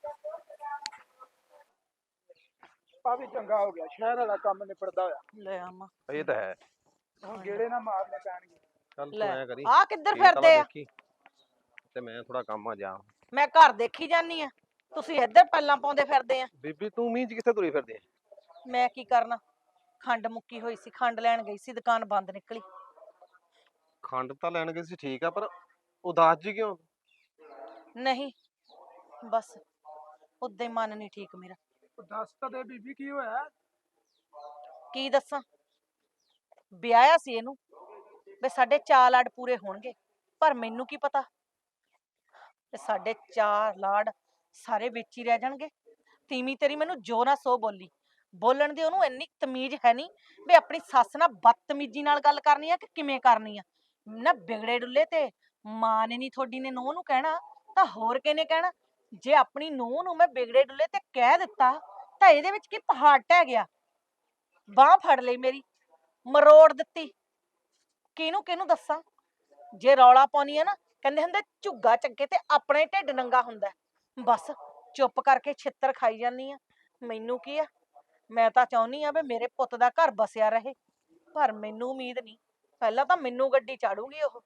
ਆ ਵੀ ਚੰਗਾ ਹੋ ਗਿਆ, ਸ਼ਹਿਰ ਵਾਲਾ ਕੰਮ ਨਿਪੜਦਾ ਹੋਇਆ। ਲੈ ਆਵਾਂ। ਇਹ ਤਾਂ ਹੈ। ਹੁਣ ਗੇੜੇ ਨਾ ਮਾਰਨੇ ਪੈਣਗੇ। ਚੱਲ ਤੂੰ ਲੈ ਐ ਕਰੀ, ਆ ਕਿੱਧਰ ਖੇਤ ਵਾਲਾ ਫਿਰਦੇ ਆ? ਦੇਖੀ ਤੇ ਮੈਂ ਥੋੜਾ ਕੰਮ ਆ ਜਾ। ਮੈਂ ਘਰ ਦੇਖੀ ਜਾਨੀ ਆ, ਤੁਸੀਂ ਇੱਧਰ ਪੱਲਾਂ ਪਾਉਂਦੇ ਫਿਰਦੇ ਆ। ਬੀਬੀ ਤੂੰ ਮੀਂਹ ਚ ਕਿੱਥੇ ਤੁਰੀ ਫਿਰਦੀ ਐ? ਮੈਂ ਕੀ ਕਰਨਾ, ਖੰਡ ਮੁੱਕੀ ਹੋਈ ਸੀ, ਖੰਡ ਲੈਣ ਗਈ ਸੀ, ਦੁਕਾਨ ਬੰਦ ਨਿਕਲੀ। ਖੰਡ ਤਾਂ ਲੈਣ ਗਈ ਸੀ ਠੀਕ ਆ, ਪਰ ਉਦਾਸ ਜੀ ਕਿਉਂ? ਨਹੀਂ ਬਸ ਉਦਾਂ ਹੀ ਮਨ ਨਹੀਂ ਠੀਕ ਮੇਰਾ। ਉਹ ਦੱਸ ਤਾਂ ਦੇ ਬੀਬੀ ਕੀ ਹੋਇਆ? ਕੀ ਦੱਸਾਂ, ਵਿਆਹਿਆ ਸੀ ਇਹਨੂੰ, ਵੀ ਸਾਡੇ ਚਾਰ ਲਾਡ ਪੂਰੇ ਹੋਣਗੇ, ਪਰ ਮੈਨੂੰ ਕੀ ਪਤਾ ਤੇ ਸਾਡੇ ਚਾਰ ਲਾਡ ਸਾਰੇ ਵਿੱਚ ਹੀ ਰਹਿ ਜਾਣਗੇ। ਤੀਵੀਂ ਤੇਰੀ ਮੈਨੂੰ ਜੋ ਨਾ ਸੋ ਬੋਲੀ, ਬੋਲਣ ਦੀ ਉਹਨੂੰ ਇੰਨੀ ਤਮੀਜ਼ ਹੈ ਨਹੀਂ ਵੀ ਆਪਣੀ ਸੱਸ ਨਾਲ ਬਦਤਮੀਜ਼ੀ ਨਾਲ ਗੱਲ ਕਰਨੀ ਆ ਕਿ ਕਿਵੇਂ ਕਰਨੀ ਆ। ਨਾ ਬਿਗੜੇ ਡੁੱਲੇ ਤੇ ਮਾਂ ਨੇ ਨਹੀਂ ਤੁਹਾਡੀ ਨੇ ਨੂੰਹ ਨੂੰ ਕਹਿਣਾ ਤਾਂ ਹੋਰ ਕਿਹਨੇ ਕਹਿਣਾ। ਜੇ ਆਪਣੀ ਨੂੰਹ ਨੂੰ ਮੈਂ ਬਿਗੜੇ ਡੁੱਲੇ ਤੇ ਕਹਿ ਦਿੱਤਾ ਤਾਂ ਇਹਦੇ ਵਿੱਚ ਕੀ ਪਹਾੜ ਟਹਿ ਗਿਆ। ਬਾਂਹ ਫੜ ਲਈ ਮੇਰੀ, ਮਰੋੜ ਦਿੱਤੀ। ਕਿਹਨੂੰ ਕਿਹਨੂੰ ਦੱਸਾਂ? ਜੇ ਰੌਲਾ ਪਾਉਣੀ ਆ ਨਾ, ਕਹਿੰਦੇ ਹੁੰਦੇ ਝੁੱਗਾ ਚੱਗੇ ਤੇ ਆਪਣੇ ਢਿੱਡ ਨੰਗਾ ਹੁੰਦਾ ਹੈ। ਬਸ ਚੁੱਪ ਕਰਕੇ ਛਿੱਤਰ ਖਾਈ ਜਾਂਦੀ ਆ। ਮੈਨੂੰ ਕੀ ਆ, ਮੈਂ ਤਾਂ ਚਾਹੁੰਦੀ ਆ ਵੀ ਮੇਰੇ ਪੁੱਤ ਦਾ ਘਰ ਬਸਿਆ ਰਹੇ, ਪਰ ਮੈਨੂੰ ਉਮੀਦ ਨਹੀਂ। ਪਹਿਲਾਂ ਤਾਂ ਮੈਨੂੰ ਗੱਡੀ ਚਾੜੂਗੀ ਉਹ।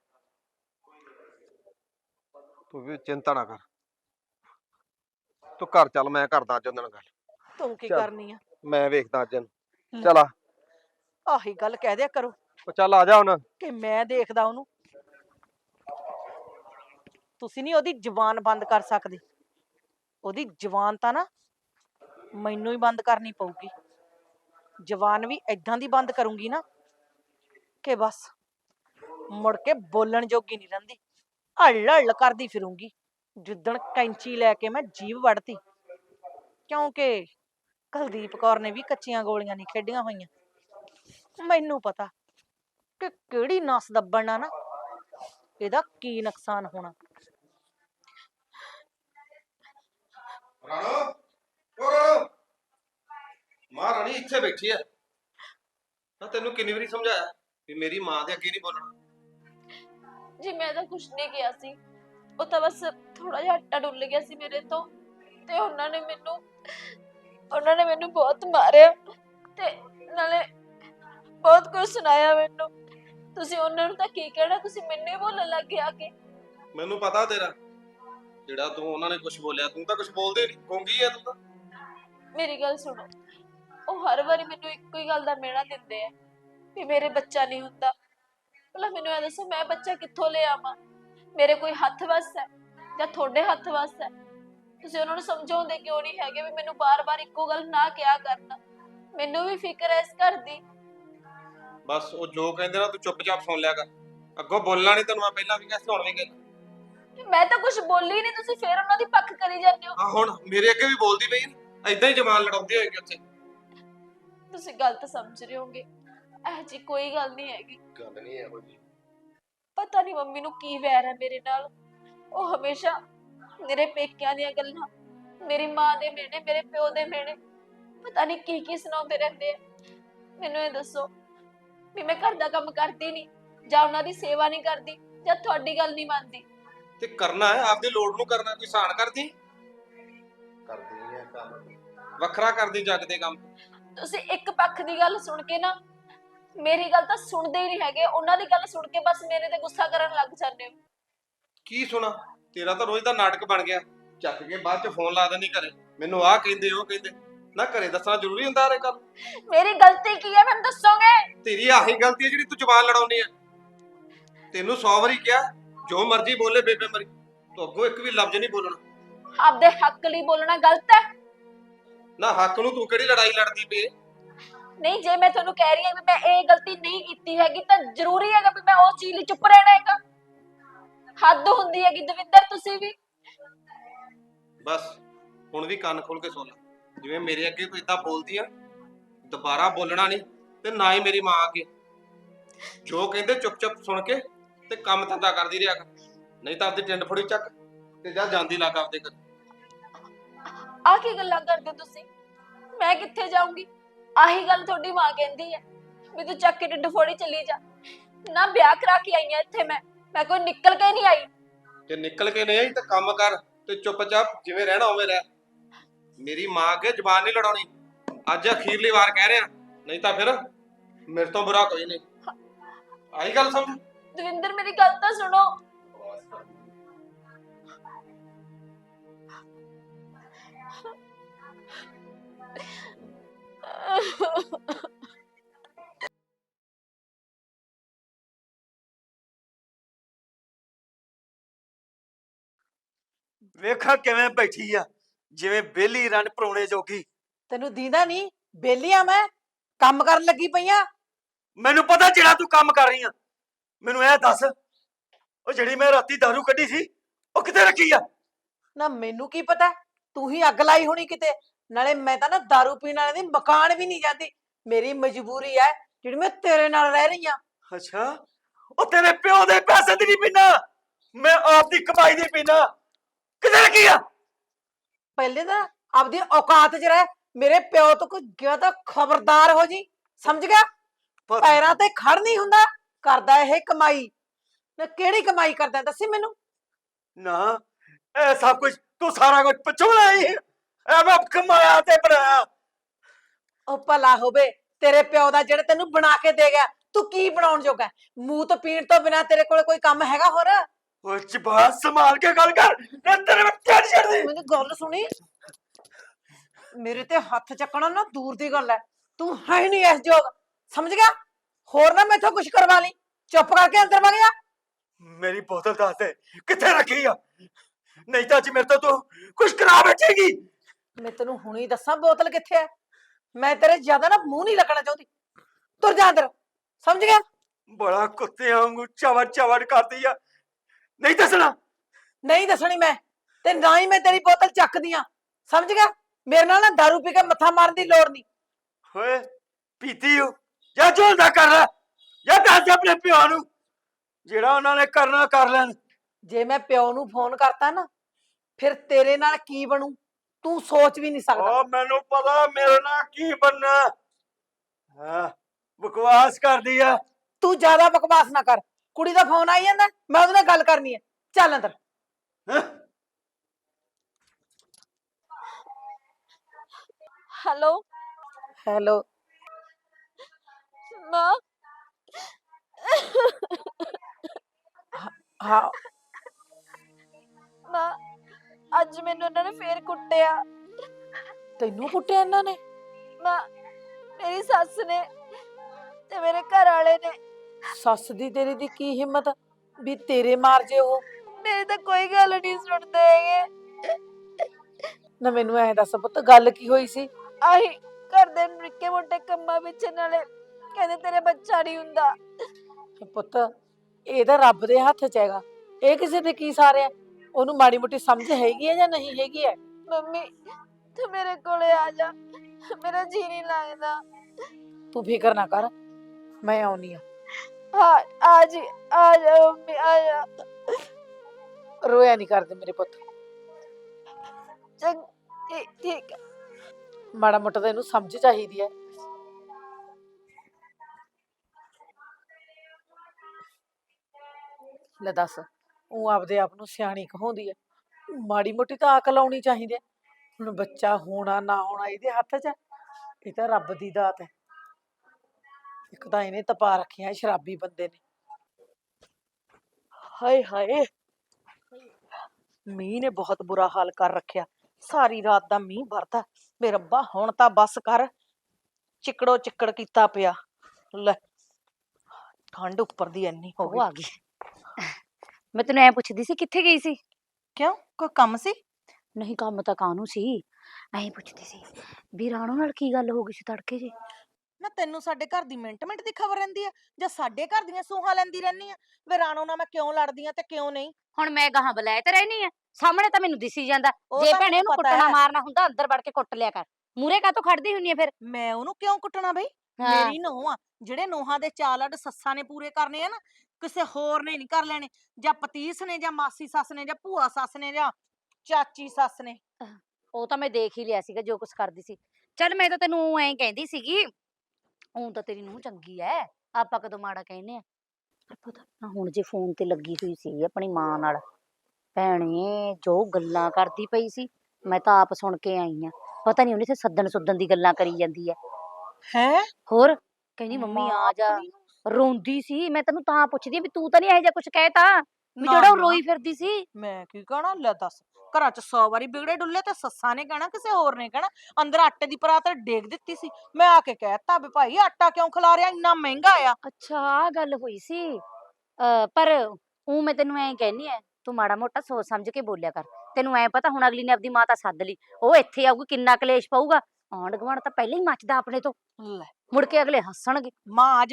ਤੂੰ ਵੀ ਚਿੰਤਾ ਨਾ ਕਰ, ਤੂੰ ਘਰ ਚੱਲ, ਮੈਂ ਕਰਦਾ ਅੱਜ ਉਹਨਾਂ ਨਾਲ ਗੱਲ। ਤੂੰ ਕੀ ਚੱਲ। ਕਰਨੀ ਆ? ਮੈਂ ਵੇਖਦਾ ਅੱਜ ਇਹਨੂੰ। ਲੈ, ਚੱਲ ਆ, ਆਹੀ ਗੱਲ ਕਹਿ ਦਿਆ ਕਰੋ ਉਹ ਚੱਲ ਆ ਜਾ ਹੁਣ। ਕਿ ਮੈਂ ਦੇਖਦਾ ਉਹਨੂੰ। ਤੁਸੀਂ ਨਹੀਂ ਉਹਦੀ ਜ਼ੁਬਾਨ ਬੰਦ ਕਰ ਸਕਦੇ। ਉਹਦੀ ਜ਼ੁਬਾਨ ਤਾਂ ਨਾ ਮੈਨੂੰ ਹੀ ਬੰਦ ਕਰਨੀ ਪਊਗੀ। ਜ਼ੁਬਾਨ ਵੀ ਏਦਾਂ ਦੀ ਬੰਦ ਕਰੂੰਗੀ ਨਾ ਕਿ ਬਸ ਮੁੜ ਕੇ ਬੋਲਣ ਜੋਗੀ ਨਹੀਂ ਰਹਿੰਦੀ। ਹੱਲ ਹੱਲ ਕਰਦੀ ਫਿਰੂੰਗੀ ਜਿੱਦਣ ਕੈਂਚੀ ਲੈ ਕੇ ਮੈਂ ਜੀਭ ਵੜਤੀ। ਕਿਉਂਕਿ ਕੁਲਦੀਪ ਕੌਰ ਨੇ ਵੀ ਕੱਚੀਆਂ ਗੋਲੀਆਂ ਨਹੀਂ ਖੇਡੀਆਂ ਹੋਈਆਂ। ਮੈਨੂੰ ਪਤਾ ਕਿ ਕਿਹੜੀ ਨਸ ਦੱਬਣ ਨਾਲ ਨਾ ਇਹਦਾ ਕੀ ਨੁਕਸਾਨ ਹੋਣਾ। ਰਾਣੋ, ਓ ਰਾਣੋ, ਮਾਂ ਰਾਣੀ ਇੱਥੇ ਬੈਠੀ ਆ। ਮੈਂ ਤੈਨੂੰ ਕਿੰਨੀ ਵਾਰੀ ਸਮਝਾਇਆ ਵੀ ਮੇਰੀ ਮਾਂ ਦੇ ਅੱਗੇ ਨਹੀਂ ਬੋਲਣਾ। ਜੀ ਮੈਂ ਤਾਂ ਕੁਛ ਨਹੀਂ ਕਿਹਾ ਸੀ, ਉਹ ਤਾਂ ਬਸ ਥੋੜਾ ਜਿਹਾ ਆਟਾ ਡੁੱਲ ਗਿਆ ਸੀ ਮੇਰੇ ਤੋਂ, ਤੇ ਉਹਨਾਂ ਨੇ ਮੈਨੂੰ ਬਹੁਤ ਮਾਰਿਆ ਤੇ ਨਾਲੇ ਬਹੁਤ ਕੁਝ ਸੁਣਾਇਆ ਮੈਨੂੰ। ਤੁਸੀਂ ਉਹਨਾਂ ਨੂੰ ਤਾਂ ਕੀ ਕਹਿਣਾ, ਤੁਸੀਂ ਮੈਨੂੰ ਹੀ ਬੋਲਣ ਲੱਗ ਗਏ ਆ ਕੇ। ਮੈਨੂੰ ਪਤਾ ਤੇਰਾ, ਜਿਹੜਾ ਤੂੰ ਉਹਨਾਂ ਨੇ ਕੁਝ ਬੋਲਿਆ, ਤੂੰ ਤਾਂ ਕੁਝ ਬੋਲਦੇ ਨਹੀਂ, ਗੂੰਗੀ ਆ ਤੂੰ ਤਾਂ। ਮੇਰੀ ਗੱਲ ਸੁਣੋ, ਉਹ ਹਰ ਵਾਰੀ ਮੈਨੂੰ ਇੱਕੋ ਹੀ ਗੱਲ ਦਾ ਮਿਹਣਾ ਦਿੰਦੇ ਆ ਵੀ ਮੇਰੇ ਬੱਚਾ ਨਹੀਂ ਹੁੰਦਾ। ਭਲਾ ਮੈਨੂੰ ਇਹ ਦੱਸੋ, ਮੈਂ ਬੱਚਾ ਕਿੱਥੋਂ ਲੈ ਆਵਾਂ? ਮੇਰੇ ਕੋਈ ਹੱਥ ਵੱਸ ਹੈ ਜਾਂ ਤੁਹਾਡੇ ਹੱਥ ਵੱਸ ਹੈ? ਤੁਸੀਂ ਉਹਨਾਂ ਨੂੰ ਸਮਝਾਉਂਦੇ ਕਿਉਂ ਨਹੀਂ ਹੈਗੇ ਵੀ ਮੈਨੂੰ ਬਾਰ-ਬਾਰ ਇੱਕੋ ਗੱਲ ਨਾ ਕਿਹਾ ਕਰਨਾ? ਮੈਨੂੰ ਵੀ ਫਿਕਰ ਹੈ ਇਸ ਘਰ ਦੀ। ਬਸ ਉਹ ਜੋ ਕਹਿੰਦੇ ਨਾ ਤੂੰ ਚੁੱਪਚਾਪ ਸੁਣ ਲਿਆ ਕਰ। ਅੱਗੋਂ ਬੋਲਣਾ ਨਹੀਂ, ਤੈਨੂੰ ਮੈਂ ਪਹਿਲਾਂ ਵੀ ਕਿਹਾ ਸੀ, ਹੁਣ ਵੀ ਕਹਿੰਦਾ। ਮੈਂ ਤਾਂ ਕੁਝ ਬੋਲੀ ਨਹੀਂ, ਤੁਸੀਂ ਫੇਰ ਉਹਨਾਂ ਦੀ ਪੱਖ ਕਰੀ ਜਾਂਦੇ ਹੋ। ਆ ਹੁਣ ਮੇਰੇ ਅੱਗੇ ਵੀ ਬੋਲਦੀ ਪਈ ਨਾ, ਏਦਾਂ ਹੀ ਜ਼ਬਾਨ ਲੜਾਉਂਦੀ ਹੋਏਗੀ ਉੱਥੇ। ਤੁਸੀਂ ਗਲਤ ਸਮਝ ਰਹੇ ਹੋਗੇ, ਇਹ ਜੀ ਕੋਈ ਗੱਲ ਨਹੀਂ ਹੈਗੀ। ਗੱਲ ਨਹੀਂ ਇਹੋ ਜੀ। ਪਤਾ ਨਹੀਂ ਮੰਮੀ ਨੂੰ ਕੀ ਵੈਰ ਹੈ ਮੇਰੇ ਨਾਲ। ਉਹ ਹਮੇਸ਼ਾ ਮੇਰੇ ਪੇਕਿਆਂ ਦੀਆਂ ਗੱਲਾਂ, ਮੇਰੀ ਮਾਂ ਦੇ ਮਿਹਣੇ, ਮੇਰੇ ਪਿਓ ਦੇ ਮਿਹਣੇ, ਪਤਾ ਨਹੀਂ ਕੀ ਕੀ ਸੁਣਾਉਂਦੇ ਰਹਿੰਦੇ ਆ। ਮੈਨੂੰ ਇਹ ਦੱਸੋ ਵੀ ਮੈਂ ਘਰ ਦਾ ਕੰਮ ਕਰਦੀ ਨਹੀਂ, ਜਾਂ ਉਹਨਾਂ ਦੀ ਸੇਵਾ ਨਹੀਂ ਕਰਦੀ, ਜਾਂ ਤੁਹਾਡੀ ਗੱਲ ਨਹੀਂ ਮੰਨਦੀ? ਤੇ ਕਰਨਾ ਹੈ ਆਪਦੀ ਲੋੜ ਨੂੰ ਕਰਨਾ, ਕੋਈ ਸਾਨ ਕਰਦੀ ਹੈ ਕੰਮ, ਵੱਖਰਾ ਕਰਦੀ ਜੱਗ ਦੇ ਕੰਮ। ਤੁਸੀਂ ਇੱਕ ਪੱਖ ਦੀ ਗੱਲ ਸੁਣ ਕੇ ਨਾ ਮੇਰੀ ਗੱਲ ਤਾਂ ਸੁਣਦੇ ਹੀ ਨਹੀਂ ਹੈਗੇ, ਉਹਨਾਂ ਦੀ ਗੱਲ ਸੁਣ ਕੇ ਬਸ ਮੇਰੇ ਤੇ ਗੁੱਸਾ ਕਰਨ ਲੱਗ ਜਾਂਦੇ ਹੋ। ਕੀ ਸੁਣਾ, ਤੇਰਾ ਤਾਂ ਰੋਜ਼ ਦਾ ਨਾਟਕ ਬਣ ਗਿਆ। ਚੱਕ ਕੇ ਬਾਅਦ ਚ ਫੋਨ ਲਾ ਦੇਣੀ ਘਰੇ, ਮੈਨੂੰ ਆਹ ਕਹਿੰਦੇ ਉਹ ਕਹਿੰਦੇ। ਨਾ ਘਰੇ ਦੱਸਣਾ ਜ਼ਰੂਰੀ ਹੁੰਦਾ ਹਰੇ ਗੱਲ? ਮੇਰੀ ਗਲਤੀ ਕੀ ਹੈ ਮੈਨੂੰ ਦੱਸੋਗੇ? ਤੇਰੀ ਆਹੀ ਗਲਤੀ ਹੈ ਜਿਹੜੀ ਤੂੰ ਜ਼ਬਾਨ ਲੜਾਉਣੀ ਆ। ਤੈਨੂੰ 100 ਵਾਰੀ ਕਿਹਾ ਜੋ ਮਰਜ਼ੀ ਬੋਲੇ ਬੇਬੇ ਮਰੀ, ਤੂੰ ਅੱਗੋਂ ਇੱਕ ਵੀ ਲਫ਼ਜ਼ ਨਹੀਂ ਬੋਲਣਾ। ਆਪਦੇ ਹੱਕ ਲਈ ਬੋਲਣਾ ਗਲਤ ਹੈ? ਨਾ ਹੱਕ ਨੂੰ ਤੂੰ ਕਿਹੜੀ ਲੜਾਈ ਲੜਦੀ ਪਈ? ਨਹੀਂ, ਜੇ ਮੈਂ ਤੁਹਾਨੂੰ ਕਹਿ ਰਹੀ ਹਾਂ ਵੀ ਮੈਂ ਇਹ ਗਲਤੀ ਨਹੀਂ ਕੀਤੀ ਹੈਗੀ ਤਾਂ ਜ਼ਰੂਰੀ ਹੈਗਾ ਵੀ ਮੈਂ ਉਸ ਚੀਜ਼ ਲਈ ਚੁੱਪ ਰਹਿਣਾ ਹੈਗਾ? ਹੱਦ ਹੁੰਦੀ ਹੈਗੀ ਦਵਿੰਦਰ, ਤੁਸੀਂ ਵੀ। ਬਸ ਹੁਣ ਵੀ ਕੰਨ ਖੋਲ ਕੇ ਸੁਣ ਲੈ, ਜਿਵੇਂ ਮੇਰੇ ਅੱਗੇ ਤੂੰ ਇਦਾਂ ਬੋਲਦੀ ਆ, ਦੁਬਾਰਾ ਬੋਲਣਾ ਨਹੀਂ, ਤੇ ਨਾ ਹੀ ਮੇਰੀ ਮਾਂ ਅੱਗੇ। ਜੋ ਕਹਿੰਦੇ ਚੁੱਪ-ਚੁੱਪ ਸੁਣ ਕੇ ਤੇ ਕੰਮ ਧੰਦਾ ਕਰਦੀ ਰਿਹਾ ਕਰ, ਨਹੀਂ ਤਾਂ ਆਪਦੀ ਟਿੰਡ ਫੜੀ ਚੱਕ ਤੇ ਜਾ ਜਾਂਦੀ ਲੱਗ ਆਪਦੇ ਘਰ। ਆਹ ਕੀ ਗੱਲਾਂ ਕਰਦੇ ਹੋ ਤੁਸੀਂ? ਮੈਂ ਕਿੱਥੇ ਜਾਊਂਗੀ? ਆਹੀ ਗੱਲ ਤੁਹਾਡੀ ਮਾਂ ਕਹਿੰਦੀ ਹੈ ਵੀ ਤੂੰ ਚੱਕ ਕੇ ਢਿੱਡ ਫੋੜੀ ਚਲੀ ਜਾ। ਨਾ ਵਿਆਹ ਕਰਾ ਕੇ ਆਈ ਆ ਇੱਥੇ ਮੈਂ ਕੋਈ ਨਿਕਲ ਕੇ ਨਹੀਂ ਆਈ। ਤੇ ਨਿਕਲ ਕੇ ਨਹੀਂ ਆਈ ਤਾਂ ਕੰਮ ਕਰ ਤੇ ਚੁੱਪ-ਚਾਪ ਜਿਵੇਂ ਰਹਿਣਾ ਉਵੇਂ ਰਹਿ। ਮੇਰੀ ਮਾਂ ਅੱਗੇ ਜ਼ਬਾਨ ਨਹੀਂ ਲੜਾਉਣੀ, ਅੱਜ ਅਖੀਰਲੀ ਵਾਰ ਕਹਿ ਰਿਹਾ, ਨਹੀਂ ਤਾਂ ਫਿਰ ਮੇਰੇ ਤੋਂ ਬੁਰਾ ਕੋਈ ਨਹੀਂ। ਆਹੀ ਗੱਲ ਸਮਝ। ਦਵਿੰਦਰ ਮੇਰੀ ਗੱਲ ਤਾਂ ਸੁਣੋ। ਵੇਖਾ ਕਿਵੇਂ ਬੈਠੀ ਆ, ਜਿਵੇਂ ਬੇਲੀ ਰੰਨ ਪਰੋਣੇ ਜੋਗੀ। ਤੈਨੂੰ ਦੀਦਾ ਨਹੀਂ ਬੇਲੀਆਂ, ਮੈਂ ਕੰਮ ਕਰਨ ਲੱਗੀ ਪਈ ਆ। ਮੈਨੂੰ ਪਤਾ ਜਿਹੜਾ ਤੂੰ ਕੰਮ ਕਰ ਰਹੀ ਆ। ਮੈਨੂੰ ਇਹ ਦੱਸ, ਉਹ ਜਿਹੜੀ ਮੈਂ ਰਾਤੀ ਦਾਰੂ ਕੱਢੀ ਸੀ ਉਹ ਕਿੱਥੇ ਰੱਖੀ ਆ? ਨਾ ਮੈਨੂੰ ਕੀ ਪਤਾ, ਤੂੰ ਹੀ ਅੱਗ ਲਾਈ ਹੋਣੀ ਕਿਤੇ। ਨਾਲੇ ਮੈਂ ਤਾਂ ਨਾ ਦਾਰੂ ਪੀਣ ਵਾਲੇ ਦੀ ਮਕਾਨ ਵੀ ਨਹੀਂ ਜਾਂਦੀ, ਮੇਰੀ ਮਜਬੂਰੀ ਹੈ ਜਿਹੜੀ ਮੈਂ ਤੇਰੇ ਨਾਲ ਰਹਿ ਰਹੀ ਆ। ਅੱਛਾ, ਉਹ ਤੇਰੇ ਪਿਓ ਦੇ ਪੈਸੇ ਦੀ ਨਹੀਂ ਪੀਣਾ, ਮੈਂ ਆਪ ਦੀ ਕਮਾਈ ਦੀ ਪੀਣਾ। ਕਿੱਥੇ ਰੱਖੀ ਆ? ਪਹਿਲੇ ਤਾਂ ਆਪਦੀ ਔਕਾਤ 'ਚ ਰਹਿ, ਮੇਰੇ ਪਿਓ ਤੋਂ ਕੋਈ ਗਿਆ ਤਾਂ ਖਬਰਦਾਰ ਹੋ ਜੀ, ਸਮਝ ਗਿਆ? ਪੈਰਾਂ ਤੇ ਖੜ ਨਹੀਂ ਹੁੰਦਾ, ਕਰਦਾ ਇਹ ਕਮਾਈ। ਨਾ ਕਿਹੜੀ ਕਮਾਈ ਕਰਦਾ ਦੱਸੀ ਮੈਨੂੰ। ਨਾ, ਇਹ ਸਭ ਕੁਝ ਤੂੰ ਸਾਰਾ ਕੁਝ ਪਿੱਛੋਂ ਲਾਈ, ਇਹ ਮੈਂ ਕਮਾਇਆ ਤੇ ਬਣਾਇਆ। ਉਹ ਭਲਾ ਹੋਵੇ ਤੇਰੇ ਪਿਓ ਦਾ ਜਿਹੜਾ ਤੈਨੂੰ ਬਣਾ ਕੇ ਦੇ ਗਿਆ, ਤੂੰ ਕੀ ਬਣਾਉਣ ਜੋਗਾ? ਮੂੰਹ ਤੋਂ ਪੀਣ ਤੋਂ ਬਿਨਾ ਤੇਰੇ ਕੋਲ ਕੋਈ ਕੰਮ ਹੈਗਾ ਹੋਰ? ਉਹ ਜ਼ਬਾਨ ਸੰਭਾਲ ਕੇ ਗੱਲ ਕਰ, ਨਾ ਤੇਰੇ ਵਿੱਚ ਚੜ ਛੱਡਦੀ। ਮੈਨੂੰ ਗੱਲ ਸੁਣੀ, ਮੇਰੇ ਤੇ ਹੱਥ ਚੱਕਣਾ ਨਾ ਦੂਰ ਦੀ ਗੱਲ ਹੈ, ਤੂੰ ਹੈ ਹੀ ਨਹੀਂ ਇਸ ਜੋਗ, ਸਮਝ ਗਿਆ? ਹੋਰ ਨਾ ਮੈਥੋਂ ਕੁਛ ਕਰਵਾ ਲਈ, ਚੁੱਪ ਕਰਕੇ ਅੰਦਰ ਵਗ ਜਾ। ਮੇਰੀ ਬੋਤਲ ਦੱਸ ਦੇ ਕਿੱਥੇ ਰੱਖੀ ਆ, ਨਹੀਂ ਤਾਂ ਅੱਜ ਮੇਰੇ ਤੋਂ ਤੂੰ ਕੁਝ ਕਰਾ ਬੈਠੇਗੀ। ਮੈਂ ਤੈਨੂੰ ਹੁਣੇ ਹੀ ਦੱਸਾਂ ਬੋਤਲ ਕਿੱਥੇ ਹੈ। ਮੈਂ ਤੇਰੇ ਜ਼ਿਆਦਾ ਨਾ ਮੂੰਹ ਨਹੀਂ ਲੱਗਣਾ ਚਾਹੁੰਦੀ, ਤੁਰ ਜਾ ਅੰਦਰ, ਸਮਝ ਗਿਆ? ਬੜਾ ਕੁੱਤਿਆਂ ਵਾਂਗੂ ਚਵੜ ਚਵੜ ਕਰਦੀ ਆ, ਨਹੀਂ ਦੱਸਣਾ। ਨਹੀਂ ਦੱਸਣੀ ਮੈਂ, ਤੇ ਨਾ ਹੀ ਮੈਂ ਤੇਰੀ ਬੋਤਲ ਚੱਕਦੀ ਆ, ਸਮਝ ਗਿਆ? ਮੇਰੇ ਨਾਲ ਨਾ ਦਾਰੂ ਪੀ ਕੇ ਮੱਥਾ ਮਾਰਨ ਦੀ ਲੋੜ ਨਹੀਂ। ਓਏ ਪੀਤੀ ਹੋ ਜਾਂ ਝੋਲਦਾ ਕਰ ਲੈ, ਜਾਂ ਦੱਸ ਆਪਣੇ ਪਿਓ ਨੂੰ, ਜਿਹੜਾ ਉਹਨਾਂ ਨੇ ਕਰਨਾ ਕਰ ਲੈਣ। ਜੇ ਮੈਂ ਪਿਓ ਨੂੰ ਫੋਨ ਕਰਤਾ ਨਾ, ਫਿਰ ਤੇਰੇ ਨਾਲ ਕੀ ਬਣੂ ਤੂੰ ਸੋਚ ਵੀ ਨਹੀਂ ਸਕਦਾ। ਉਹ ਮੈਨੂੰ ਪਤਾ ਮੇਰੇ ਨਾਲ ਕੀ ਬਣਨਾ। ਹਾਂ, ਬਕਵਾਸ ਕਰਦੀ ਆ। ਤੂੰ ਜ਼ਿਆਦਾ ਬਕਵਾਸ ਨਾ ਕਰ, ਕੁੜੀ ਦਾ ਫੋਨ ਆਈ ਜਾਂਦਾ, ਮੈਂ ਉਹਦੇ ਨਾਲ ਗੱਲ ਕਰਨੀ ਹੈ, ਚੱਲ ਅੰਦਰ। ਹੈਂ? ਹੈਲੋ ਹੈਲੋ, ਮਾਂ, ਹਾਂ ਮਾਂ ਅੱਜ ਮੈਨੂੰ ਉਹਨਾਂ ਨੇ ਫੇਰ ਕੁੱਟਿਆ। ਤੈਨੂੰ ਕੁੱਟਿਆ ਇਹਨਾਂ ਨੇ? ਮਾਂ, ਮੇਰੀ ਸੱਸ ਨੇ ਤੇ ਮੇਰੇ ਘਰ ਵਾਲੇ ਨੇ। ਸੱਸ ਦੀ ਤੇਰੀ ਦੀ ਕੀ ਹਿੰਮਤ ਵੀ ਤੇਰੇ ਮਾਰ ਜੇ ਉਹ? ਮੇਰੀ ਤਾਂ ਕੋਈ ਗੱਲ ਨਹੀਂ ਸੁਣਦੇ ਹੈਗੇ। ਨਾ ਮੈਨੂੰ ਐ ਦੱਸ ਪੁੱਤ, ਗੱਲ ਕੀ ਹੋਈ ਸੀ? ਆਹੀ ਘਰ ਦੇ ਨਿੱਕੇ ਮੋਟੇ ਕੰਮਾਂ ਵਿੱਚ ਨਾਲੇ ਕਹਿੰਦੇ ਤੇਰੇ ਬੱਚਾ ਨਹੀਂ ਹੁੰਦਾ। ਪੁੱਤ ਇਹ ਤਾਂ ਰੱਬ ਦੇ ਹੱਥ 'ਚ ਹੈਗਾ, ਇਹ ਕਿਸੇ ਦੇ ਕੀ ਸਾਰਿਆ? ਉਹਨੂੰ ਮਾੜੀ ਮੋਟੀ ਸਮਝ ਹੈਗੀ ਹੈ ਜਾਂ ਨਹੀਂ ਹੈਗੀ ਹੈ? ਮੰਮੀ ਤੂੰ ਮੇਰੇ ਕੋਲੇ ਆ ਜਾ, ਮੇਰਾ ਜੀ ਨਹੀਂ ਲੱਗਦਾ। ਤੂੰ ਫਿਕਰ ਨਾ ਕਰ, ਮੈਂ ਆਉਣੀ ਆ। ਹਾਂ ਆ ਜੀ, ਆ ਜਾ ਮੰਮੀ, ਆ ਜਾ। ਰੋਇਆ ਨਹੀਂ ਕਰਦੇ ਮੇਰੇ ਪੁੱਤ, ਚੰਗ ਠੀਕ ਹੈ। ਮਾੜਾ ਮੋਟਾ ਤਾਂ ਇਹਨੂੰ ਸਮਝ ਚਾਹੀਦੀ ਹੈ। ਲੈ ਦੱਸ, ਉਹ ਆਪਦੇ ਆਪ ਨੂੰ ਸਿਆਣੀ ਕਹਾਉਂਦੀ ਹੈ, ਮਾੜੀ ਮੋਟੀ ਤਾਂ ਅਕਲ ਆਉਣੀ ਚਾਹੀਦੀ ਹੈ। ਹੁਣ ਬੱਚਾ ਹੋਣਾ ਨਾ ਹੋਣਾ ਇਹਦੇ ਹੱਥ 'ਚ ਹੈ, ਇਹ ਤਾਂ ਰੱਬ ਦੀ ਦਾਤ ਹੈ। ਇੱਕ ਤਾਂ ਇਹਨੇ ਤਪਾ ਰੱਖਿਆ ਸ਼ਰਾਬੀ ਬੰਦੇ ਨੇ। ਹਾਏ ਹਾਏ, ਮੀਂਹ ਨੇ ਬਹੁਤ ਬੁਰਾ ਹਾਲ ਕਰ ਰੱਖਿਆ, ਸਾਰੀ ਰਾਤ ਦਾ ਮੀਂਹ ਵਰਦਾ। ਬੇ ਰੱਬਾ ਹੁਣ ਤਾਂ ਬਸ ਕਰ, ਚਿੱਕੜੋ ਚਿੱਕੜ ਕੀਤਾ ਪਿਆ। ਲੈ ਠੰਡ ਉੱਪਰ ਦੀ ਇੰਨੀ ਹੋ ਉਹ ਗਈ। ਆ ਗਈ। ਮੈਂ ਤੈਨੂੰ ਐ ਪੁੱਛਦੀ ਸੀ ਕਿੱਥੇ ਗਈ ਸੀ? ਕਿਉਂ, ਕੋਈ ਕੰਮ ਸੀ? ਨਹੀਂ ਕੰਮ ਤਾਂ ਕਾਹਨੂੰ ਸੀ, ਐਂ ਪੁੱਛਦੀ ਸੀ ਵੀ ਰਾਣੋ ਨਾਲ ਕੀ ਗੱਲ ਹੋ ਗਈ ਸੀ ਤੜਕੇ ਜੀ? ਨਾ ਤੈਨੂੰ ਸਾਡੇ ਘਰ ਦੀ ਮਿੰਟ ਮਿੰਟ ਦੀ ਖਬਰ ਰਹਿੰਦੀ ਆ, ਜਾਂ ਸਾਡੇ ਘਰ ਦੀਆਂ ਸੂਹਾਂ ਲੈਂਦੀ ਰਹਿਨੀ ਆ? ਵੇ ਰਾਣੋ ਨਾਲ ਮੈਂ ਕਿਉਂ ਲੜਦੀ ਆ ਤੇ ਕਿਉਂ ਨਹੀਂ? ਹੁਣ ਮੈਂ ਗਾਹਾਂ ਬੁਲਾਇਆ ਤੇ ਰਹਿਣੀ ਆ, ਸਾਹਮਣੇ ਤਾਂ ਮੈਨੂੰ ਦਿਸੀ ਜਾਂਦਾ। ਉਹ ਜੇ ਤਾਂ ਭੈਣੇ ਮੈਨੂੰ ਉਹਨੂੰ ਪਤਾ ਕੁੱਟਣਾ ਹੈ। ਮਾਰਨਾ ਹੁੰਦਾ ਅੰਦਰ ਵੜ ਕੇ ਕੁੱਟ ਲਿਆ ਕਰ, ਮੂਰੇ ਕਾਹਤੋਂ ਖੜਦੀ ਹੁੰਨੀ ਆ ਫਿਰ? ਮੈਂ ਉਹਨੂੰ ਕਿਉਂ ਕੁੱਟਣਾ ਬਈ? ਹਾਂ। ਮੇਰੀ ਨੂੰਹ ਆ, ਜਿਹੜੇ ਨੂੰਹਾਂ ਦੇ ਚਾਲ ਅੱਡ ਸੱਸਾਂ ਨੇ ਪੂਰੇ ਕਰਨੇ ਆ ਨਾ, ਕਿਸੇ ਹੋਰ ਨੇ ਨਹੀਂ ਕਰ ਲੈਣੇ। ਜਾਂ ਪਤੀਸ ਨੇ, ਜਾਂ ਮਾਸੀ ਸੱਸ ਨੇ, ਜਾਂ ਭੂਆ ਸੱਸ ਨੇ, ਜਾਂ ਚਾਚੀ ਸੱਸ ਨੇ। ਉਹ ਤਾਂ ਮੈਂ ਦੇਖ ਹੀ ਲਿਆ ਸੀਗਾ ਜੋ ਕੁਛ ਕਰਦੀ ਸੀ। ਚੱਲ ਮੈਂ ਤਾਂ ਤੈਨੂੰ ਐਂ ਕਹਿੰਦੀ ਸੀਗੀ, ਹੁਣ ਤਾਂ ਤੇਰੀ ਨੂੰਹ ਚੰਗੀ ਐ, ਆਪਾਂ ਕਦੋਂ ਮਾੜਾ ਕਹਿੰਦੇ ਆ। ਪਰ ਪਤਾ ਨਾ ਹੁਣ ਜੇ ਫੋਨ ਤੇ ਲੱਗੀ ਹੋਈ ਸੀ ਆਪਣੀ ਮਾਂ ਨਾਲ, ਭੈਣੇ ਜੋ ਗੱਲਾਂ ਕਰਦੀ ਪਈ ਸੀ, ਮੈਂ ਤਾਂ ਆਪ ਸੁਣ ਕੇ ਆਈ ਆ। ਪਤਾ ਨਹੀਂ ਉਹਨੇ ਤੇ ਸੱਦਣ ਸੁੱਦਣ ਦੀ ਗੱਲਾਂ ਕਰੀ ਜਾਂਦੀ ਐ। ਹੈ ਹੋਰ ਕਹਿੰਦੀ ਮੰਮੀ ਆ ਜਾ, ਰੋਂਦੀ ਸੀ। ਮੈਂ ਤੈਨੂੰ ਤਾਂ ਪੁੱਛਦੀ ਆ ਵੀ ਤੂੰ ਤਾਂ ਨਹੀਂ ਇਹੋ ਜਿਹਾ ਕੁਛ ਕਹਿਤਾ ਵੀ ਨਾ, ਜਿਹੜਾ ਉਹ ਨਾ। ਰੋਈ ਫਿਰਦੀ ਸੀ? ਮੈਂ ਕੀ ਕਹਣਾ, ਲੈ ਦੱਸ, ਘਰਾਂ 'ਚ 100 ਵਾਰੀ ਵਿਗੜੇ ਡੁੱਲੇ ਤੇ ਸੱਸਾਂ ਨੇ ਕਹਿਣਾ ਕਿਸੇ ਹੋਰ ਨੇ ਕਹਿਣਾ। ਅੰਦਰ ਆਟੇ ਦੀ ਪਰਾਤ ਡੇਗ ਦਿੱਤੀ ਸੀ, ਮੈਂ ਆ ਕੇ ਕਹਿਤਾ ਵੀ ਭਾਈ ਆਟਾ ਕਿਉਂ ਖਿਲਾ ਰਿਹਾ, ਇੰਨਾ ਮਹਿੰਗਾ ਆ। ਅੱਛਾ ਆ ਗੱਲ ਹੋਈ ਸੀ। ਪਰ ਉਹ ਮੈਂ ਤੈਨੂੰ ਐਂ ਕਹਿੰਨੀ ਐ, ਤੂੰ ਮਾੜਾ ਮੋਟਾ ਸੋਚ ਸਮਝ ਕੇ ਬੋਲਿਆ ਕਰ। ਤੈਨੂੰ ਐਂ ਪਤਾ ਹੁਣ ਅਗਲੀ ਨੇ ਆਪਦੀ ਮਾਂ ਤਾਂ ਸੱਦ ਲਈ, ਉਹ ਇੱਥੇ ਆਊਗੀ ਕਿੰਨਾ ਕਲੇਸ਼ ਪਊਗਾ। ਆਂਢ ਗੁਆਂਢ ਤਾਂ ਪਹਿਲਾਂ ਹੀ ਮੱਚਦਾ ਆਪਣੇ ਤੋਂ, ਲੈ ਮੁੜ ਕੇ ਅਗਲੇ ਹੱਸਣਗੇ। ਮਾਂ ਆ ਜਾਵੇ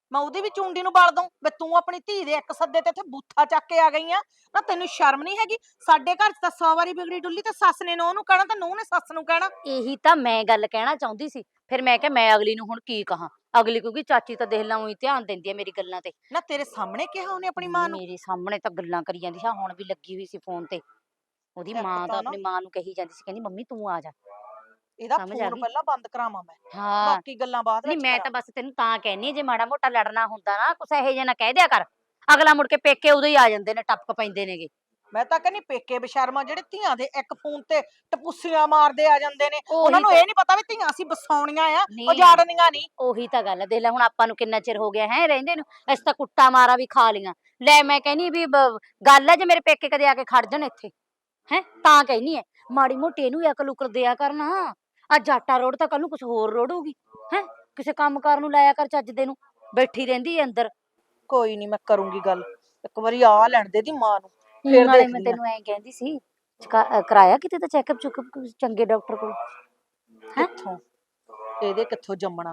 ਮੈਂ ਉਹਦੀ ਵੀ ਚੁੰਡੀ ਨੂੰ ਬਾਲ ਦੂੰ ਵੀ ਤੂੰ ਆਪਣੀ ਧੀ ਦੇ ਇੱਕ ਸੱਦੇ ਤੇ ਇੱਥੇ ਬੂਥਾ ਚੱਕ ਕੇ ਆ ਗਈ ਆ। ਨਾ ਤੈਨੂੰ ਸ਼ਰਮ ਨਹੀਂ ਹੈਗੀ? ਸਾਡੇ ਘਰ 'ਚ ਤਾਂ 100 ਵਾਰੀ ਬਿਗੜੀ ਡੁੱਲੀ ਤੇ ਸੱਸ ਨੇ ਨੂੰਹ ਨੂੰ ਕਹਿਣਾ ਤੇ ਨੂੰਹ ਨੇ ਸੱਸ ਨੂੰ ਕਹਿਣਾ। ਇਹੀ ਤਾਂ ਮੈਂ ਗੱਲ ਕਹਿਣਾ ਚਾਹੁੰਦੀ ਸੀ। ਫਿਰ ਮੈਂ ਕਿਹਾ ਮੈਂ ਅਗਲੀ ਨੂੰ ਹੁਣ ਕੀ ਕਹਾਂ। ਅਗਲੀ ਕਿਉਂਕਿ ਚਾਚੀ ਤਾਂ ਦੇਖ ਲਾ ਉਹੀ ਧਿਆਨ ਦਿੰਦੀ ਹੈ ਮੇਰੀ ਗੱਲਾਂ ਤੇ। ਨਾ ਤੇਰੇ ਸਾਹਮਣੇ ਕਿਹਾ ਉਹਨੇ ਆਪਣੀ ਮਾਂ ਨੂੰ? ਮੇਰੇ ਸਾਹਮਣੇ ਤਾਂ ਗੱਲਾਂ ਕਰੀ ਜਾਂਦੀ ਸੀ, ਹੁਣ ਵੀ ਲੱਗੀ ਹੋਈ ਸੀ ਫੋਨ ਤੇ। ਉਹਦੀ ਇੱਕ ਮਾਂ ਤਾਂ ਤਾਂ ਨਾ ਆਪਣੀ ਮਾਂ ਨੂੰ ਕਹੀ ਜਾਂਦੀ ਸੀ, ਕਹਿੰਦੀ ਮੰਮੀ ਤੂੰ ਆ ਜਾ। ਇਹਦਾ ਸਮਝ ਆ ਫੋਨ ਗਈ? ਪਹਿਲਾਂ ਬੰਦ ਕਰਾਵਾਂ ਮੈਂ, ਹਾਂ ਬਾਕੀ ਗੱਲਾਂ ਬਾਅਦ ਨਹੀਂ ਵਿੱਚ ਮੈਂ ਕਰਾਂ। ਤਾਂ ਬਸ ਤੈਨੂੰ ਤਾਂ ਕਹਿੰਨੀ ਜੇ ਮਾੜਾ ਮੋਟਾ ਲੜਨਾ ਹੁੰਦਾ ਨਾ ਕੁਛ ਇਹੋ ਜਿਹਾ ਨਾ ਕਹਿ ਦਿਆ ਕਰ। ਅਗਲਾ ਮੁੜ ਕੇ ਪੇਕੇ ਉਦੋਂ ਹੀ ਆ ਜਾਂਦੇ ਨੇ, ਟੱਪਕ ਪੈਂਦੇ ਨੇਗੇ। ਮੈਂ ਤਾਂ ਕਹਿੰਨੀ ਪੇਕੇ ਬਸ਼ਰਮਾ ਜਿਹੜੇ ਧੀਆਂ ਦੇ ਇੱਕ ਫੋਨ ਤੇ ਟਪੂਸੀਆਂ ਮਾਰਦੇ ਆ ਜਾਂਦੇ ਨੇ, ਉਹੀ ਉਹਨਾਂ ਨੂੰ ਤਾਂ- ਇਹ ਨਹੀਂ ਪਤਾ ਵੀ ਧੀਆਂ ਅਸੀਂ ਵਸਾਉਣੀਆਂ ਆ, ਨਹੀਂ। ਉਜਾੜਨੀਆਂ ਨਹੀਂ। ਉਹੀ ਤਾਂ ਗੱਲ ਹੈ, ਦੇਖ ਲੈ ਹੁਣ ਆਪਾਂ ਨੂੰ ਕਿੰਨਾ ਚਿਰ ਹੋ ਗਿਆ ਹੈ ਰਹਿੰਦੇ ਨੂੰ। ਅਸੀਂ ਤਾਂ ਕੁੱਟਾ ਮਾਰਾ ਵੀ ਖਾ ਲੀਆਂ। ਲੈ ਮੈਂ ਕਹਿੰਨੀ ਵੀ ਗੱਲ ਹੈ ਜੇ ਮੇਰੇ ਪੇਕੇ ਕਦੇ ਆ ਕੇ ਖੜ ਜਾਣ ਇੱਥੇ, ਹੈ ਤਾਂ ਕਹਿੰਨੀ ਹੈ ਮਾੜੀ ਮੋਟੀ ਇਹਨੂੰ ਅਕਲ ਉਕਲ ਦਿਆ ਕਰਨਾ। ਅੱਜ ਆਟਾ ਰੋੜ ਤਾਂ ਕੱਲ ਨੂੰ ਕੁਛ ਹੋਰ ਰੋੜੂਗੀ। ਹੈ ਕਿਸੇ ਕੰਮ ਕਾਰ ਨੂੰ ਲਾਇਆ ਕਰ ਚੱਜ ਦੇ ਨੂੰ, ਬੈਠੀ ਰਹਿੰਦੀ ਹੈ ਅੰਦਰ। ਕੋਈ ਨਹੀਂ ਮੈਂ ਕਰੂੰਗੀ ਗੱਲ, ਇੱਕ ਵਾਰੀ ਆ ਲੈਣ ਦੇ ਦੀ ਮਾਂ ਨੂੰ, ਫਿਰ ਨਾਲੇ ਮੈਂ ਦੇਖਦੀ ਆ। ਤੈਨੂੰ ਐਂ ਕਹਿੰਦੀ ਸੀ, ਕਰਾਇਆ ਕਿਤੇ ਤਾਂ ਚੈੱਕਅਪ ਚੁੱਕਅਪ ਚੰਗੇ ਡਾਕਟਰ ਕੋਲ? ਹੈਂ? ਕਿੱਥੋਂ ਇਹਦੇ ਕਿੱਥੋਂ ਜੰਮਣਾ?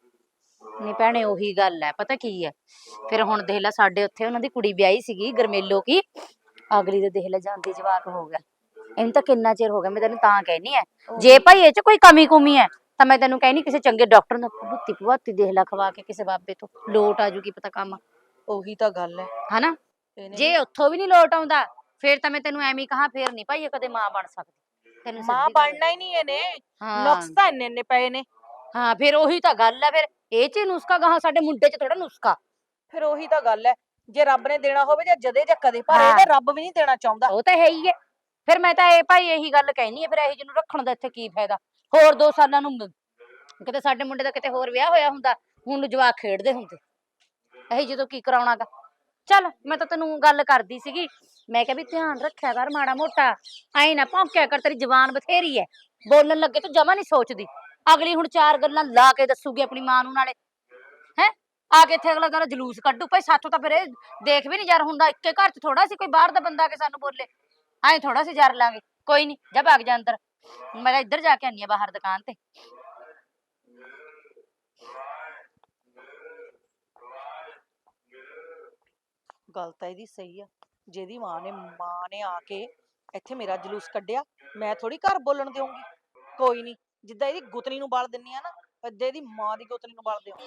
ਨਹੀਂ ਭੈਣੇ ਉਹੀ ਗੱਲ ਹੈ, ਪਤਾ ਕੀ ਹੈ ਫਿਰ ਹੁਣ ਦੇਖ ਲੈ ਸਾਡੇ ਉੱਥੇ ਉਹਨਾਂ ਦੀ ਕੁੜੀ ਵਿਆਹੀ ਸੀਗੀ ਗਰਮੇਲੋ ਕੀ, ਅਗਲੀ ਦੇ ਦੇਖ ਲੈ ਜਾਂਦੀ ਜਵਾਕ ਹੋ ਗਿਆ। ਇਹਨੂੰ ਤਾਂ ਕਿੰਨਾ ਚਿਰ ਹੋ ਗਿਆ। ਮੈਂ ਤੈਨੂੰ ਤਾਂ ਕਹਿਨੀ ਹੈ ਜੇ ਭਾਈ ਇਹ ਚ ਕੋਈ ਕਮੀ ਕੁਮੀ ਹੈ ਤਾਂ ਮੈਂ ਤੈਨੂੰ ਕਹਿਨੀ ਕਿਸੇ ਚੰਗੇ ਡਾਕਟਰ ਨੂੰ ਭੁੱਤੀ ਭੁਆਤੀ ਦੇਖ ਲੈ ਖਵਾ ਕੇ, ਕਿਸੇ ਬਾਬੇ ਤੋਂ ਲੋਟ ਆ ਜੂਗੀ ਪਤਾ ਕੰਮ, ਉਹੀ ਤਾਂ ਗੱਲ ਹੈ। ਹਨਾ? ਇਹਨੇ ਜੇ ਉੱਥੋਂ ਵੀ ਨਹੀਂ ਲੋਟ ਆਉਂਦਾ ਫੇਰ ਤਾਂ ਮੈਂ ਤੈਨੂੰ ਐਵੇਂ ਹੀ ਕਹਾਂ, ਫੇਰ ਨਹੀਂ ਭਾਈ ਇਹ ਕਦੇ ਮਾਂ ਬਣ ਸਕਦੀ। ਤੈਨੂੰ ਮਾਂ ਸਿੱਧੀ ਗੱਲ ਬਣਨਾ ਹੀ ਨਹੀਂ ਇਹਨੇ, ਹਾਂ ਨੁਕਸ ਤਾਂ ਇੰਨੇ ਇੰਨੇ ਪਏ ਨੇ। ਹਾਂ ਫਿਰ ਉਹੀ ਤਾਂ ਗੱਲ ਹੈ, ਫਿਰ ਇਹ ਚ ਹੀ ਨੁਸਖਾ ਗਾਹਾਂ ਸਾਡੇ ਮੁੰਡੇ ਚ ਥੋੜਾ ਨੁਸਖਾ। ਫਿਰ ਉਹੀ ਤਾਂ ਗੱਲ ਹੈ, ਜੇ ਰੱਬ ਨੇ ਦੇਣਾ ਹੋਵੇ ਜਾਂ ਜਦੇ ਜਾਂ ਕਦੇ, ਪਰ ਹਾਂ। ਇਹਦੇ ਰੱਬ ਵੀ ਨਹੀਂ ਦੇਣਾ ਚਾਹੁੰਦਾ। ਉਹ ਤਾਂ ਹੈ ਹੀ ਹੈ। ਫਿਰ ਮੈਂ ਤਾਂ ਇਹ ਭਾਈ ਇਹੀ ਗੱਲ ਕਹਿਨੀ ਹੈ, ਫਿਰ ਇਹੀ ਜਿਹਨੂੰ ਰੱਖਣ ਦਾ ਇੱਥੇ ਕੀ ਫਾਇਦਾ। ਹੋਰ 2 ਸਾਲਾਂ ਨੂੰ ਕਿਤੇ ਸਾਡੇ ਮੁੰਡੇ ਦਾ ਕਿਤੇ ਹੋਰ ਵਿਆਹ ਹੋਇਆ ਹੁੰਦਾ, ਹੁਣ ਨੂੰ ਜਵਾਕ ਖੇਡਦੇ ਹੁੰਦੇ। ਇਹੀ ਜਦੋਂ ਕੀ ਕਰਾਉਣਾਗਾ। ਚੱਲ ਮੈਂ ਤਾਂ ਤੈਨੂੰ ਗੱਲ ਕਰਦੀ ਸੀਗੀ, ਮੈਂ ਕਿਹਾ ਵੀ ਧਿਆਨ ਰੱਖਿਆ ਕਰ ਮਾੜਾ ਮੋਟਾ, ਐਂ ਨਾ ਭੌਂਕਿਆ ਕਰ, ਤੇਰੀ ਜ਼ਬਾਨ ਬਥੇਰੀ ਹੈ, ਬੋਲਣ ਲੱਗੇ ਤੂੰ ਜਮਾ ਨਹੀਂ ਸੋਚਦੀ। ਅਗਲੀ ਹੁਣ 4 ਗੱਲਾਂ ਲਾ ਕੇ ਦੱਸੂਗੀ ਆਪਣੀ ਮਾਂ ਨੂੰ, ਨਾਲੇ ਹੈ ਆ ਕੇ ਇੱਥੇ ਅਗਲਾ ਕਹਿੰਦਾ ਜਲੂਸ ਕੱਢੂ। ਭਾਈ ਸਾਥੋਂ ਤਾਂ ਫਿਰ ਇਹ ਦੇਖ ਵੀ ਨਹੀਂ ਯਾਰ ਹੁੰਦਾ, ਇੱਕੇ ਘਰ ਚ ਥੋੜਾ ਸੀ ਕੋਈ ਬਾਹਰ ਦਾ ਬੰਦਾ ਆ ਕੇ ਸਾਨੂੰ ਬੋਲੇ, ਐਂ ਥੋੜਾ ਸੀ ਜਰ ਲਾਂਗੇ। ਕੋਈ ਨਹੀਂ ਜਾ ਭਾਗ ਜਾ ਅੰਦਰ, ਮੈਂ ਇੱਧਰ ਜਾ ਕੇ ਆਨੀ ਆ ਬਾਹਰ ਦੁਕਾਨ ਤੇ। ਗੱਲ ਤਾਂ ਇਹਦੀ ਸਹੀ ਆ, ਜਿਹਦੀ ਮਾਂ ਨੇ ਆ ਕੇ ਇੱਥੇ ਮੇਰਾ ਜਲੂਸ ਕੱਢਿਆ, ਮੈਂ ਥੋੜੀ ਘਰ ਬੋਲਣ ਦੇਵਾਂਗੀ। ਕੋਈ ਨਹੀਂ, ਜਿੱਦਾਂ ਇਹਦੀ ਗੁੱਤਨੀ ਨੂੰ ਬਾਲ ਦਿੰਨੀ ਆ ਨਾ, ਏਦਾਂ ਇਹਦੀ ਮਾਂ ਦੀ ਗੁੱਤਨੀ ਨੂੰ ਬਾਲ ਦੇਵਾਂਗੀ।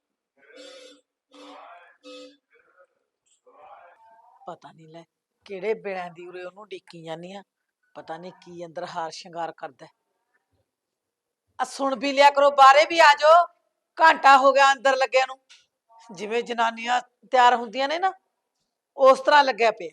ਪਤਾ ਨਹੀਂ ਲੈ ਕਿਹੜੇ ਬਿਨਾਂ ਦੀ ਉਰੇ ਉਹਨੂੰ ਡਿੱਕੀ ਜਾਂਦੀ ਆ, ਪਤਾ ਨਹੀਂ ਕੀ ਅੰਦਰ ਹਾਰ ਸ਼ਿੰਗਾਰ ਕਰਦਾ। ਆ ਸੁਣ ਵੀ ਲਿਆ ਕਰੋ, ਬਾਹਰੇ ਵੀ ਆ ਜਾਓ, ਘੰਟਾ ਹੋ ਗਿਆ ਅੰਦਰ ਲੱਗਿਆ ਨੂੰ। ਜਿਵੇਂ ਜਨਾਨੀਆਂ ਤਿਆਰ ਹੁੰਦੀਆਂ ਨੇ ਨਾ, ਉਸ ਤਰ੍ਹਾਂ ਲੱਗਿਆ ਪਿਆ।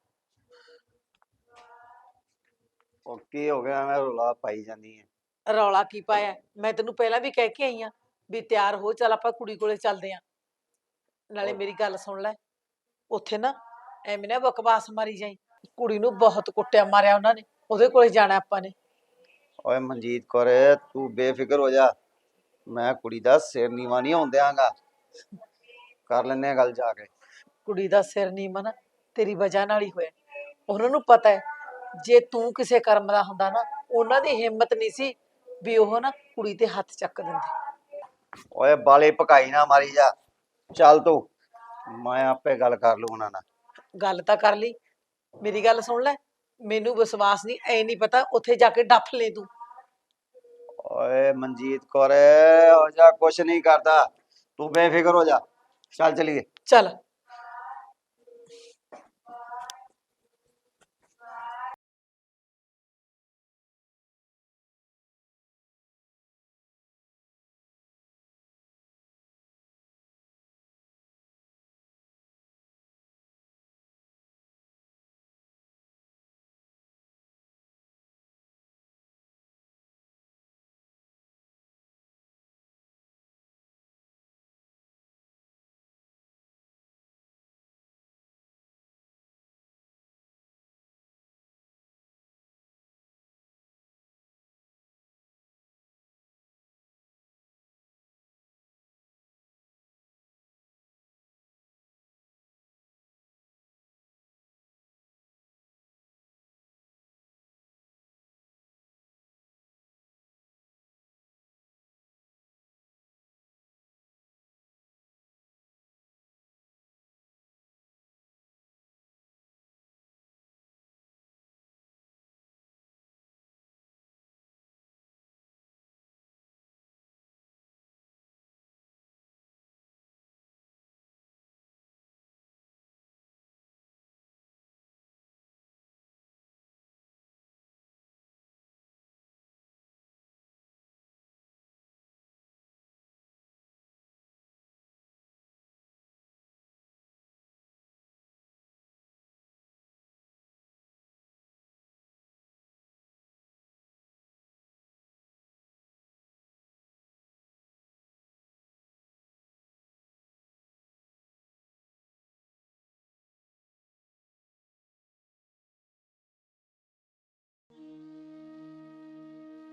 ਉਹ ਕੀ ਹੋ ਗਿਆ, ਮੈਂ ਰੌਲਾ ਪਾਈ ਜਾਂਦੀ ਹੈ। ਰੌਲਾ ਕੀ ਪਾਇਆ? ਮੈਂ ਤੈਨੂੰ ਪਹਿਲਾਂ ਵੀ ਕਹਿ ਕੇ ਆਈ ਆ ਵੀ ਤਿਆਰ ਹੋ, ਚੱਲ ਆਪਾਂ ਕੁੜੀ ਕੋਲੇ ਚੱਲਦੇ ਆ। ਨਾਲੇ ਮੇਰੀ ਗੱਲ ਸੁਣ ਲੈ, ਉੱਥੇ ਨਾ ਐਵੇਂ ਨਾ ਬਕਵਾਸ ਮਾਰੀ ਜਾਈ, ਕੁੜੀ ਨੂੰ ਬਹੁਤ ਕੁੱਟਿਆ ਮਾਰਿਆ ਉਹਨਾਂ ਨੇ, ਉਹਦੇ ਕੋਲੇ ਜਾਣਾ ਆਪਾਂ ਨੇ। ਓਏ ਮਨਜੀਤ ਕੌਰ ਤੂੰ ਬੇਫਿਕਰ ਹੋ ਜਾ, ਮੈਂ ਕੁੜੀ ਦਾ ਸਿਰ ਨੀਵਾਂ ਨਹੀਂ ਹੋਣ ਦਿਆਂਗਾ। ਕਰ ਲੈਨੇ ਆ ਗੱਲ ਜਾ ਕੇ। ਕੁੜੀ ਦਾ ਸਿਰ ਨੀਵਾਂ ਨਾ ਤੇਰੀ ਵਜ੍ਹਾ ਨਾਲ ਹੀ ਹੋਇਆ। ਉਹਨਾਂ ਨੂੰ ਪਤਾ ਹੈ ਜੇ ਤੂੰ ਕਿਸੇ ਕਰਮ ਦਾ ਹੁੰਦਾ ਨਾ, ਉਹਨਾਂ ਦੀ ਹਿੰਮਤ ਨਹੀਂ ਸੀ ਵੀ ਉਹ ਨਾ ਕੁੜੀ ਤੇ ਹੱਥ ਚੱਕ ਦਿੰਦੇ। ਓਏ ਬਾਲੇ ਪਕਾਈ ਨਾ ਮਾਰੀ ਜਾ, ਚੱਲ ਤੂੰ, ਮੈਂ ਆਪੇ ਗੱਲ ਕਰ ਲੂ ਉਹਨਾਂ ਨਾਲ। ਗੱਲ ਤਾਂ ਕਰ ਲਈ, ਮੇਰੀ ਗੱਲ ਸੁਣ ਲੈ, ਮੈਨੂੰ ਵਿਸ਼ਵਾਸ ਨਹੀਂ, ਐ ਨਹੀਂ ਪਤਾ ਉੱਥੇ ਜਾ ਕੇ ਡੱਫ ਲੈ ਤੂੰ। ਓਏ ਮਨਜੀਤ ਕੌਰ ਹੋ ਜਾ, ਕੁਛ ਨਹੀਂ ਕਰਦਾ, ਤੂੰ ਬੇਫਿਕਰ ਹੋ ਜਾ, ਚੱਲ ਚਲੀਏ। ਚੱਲ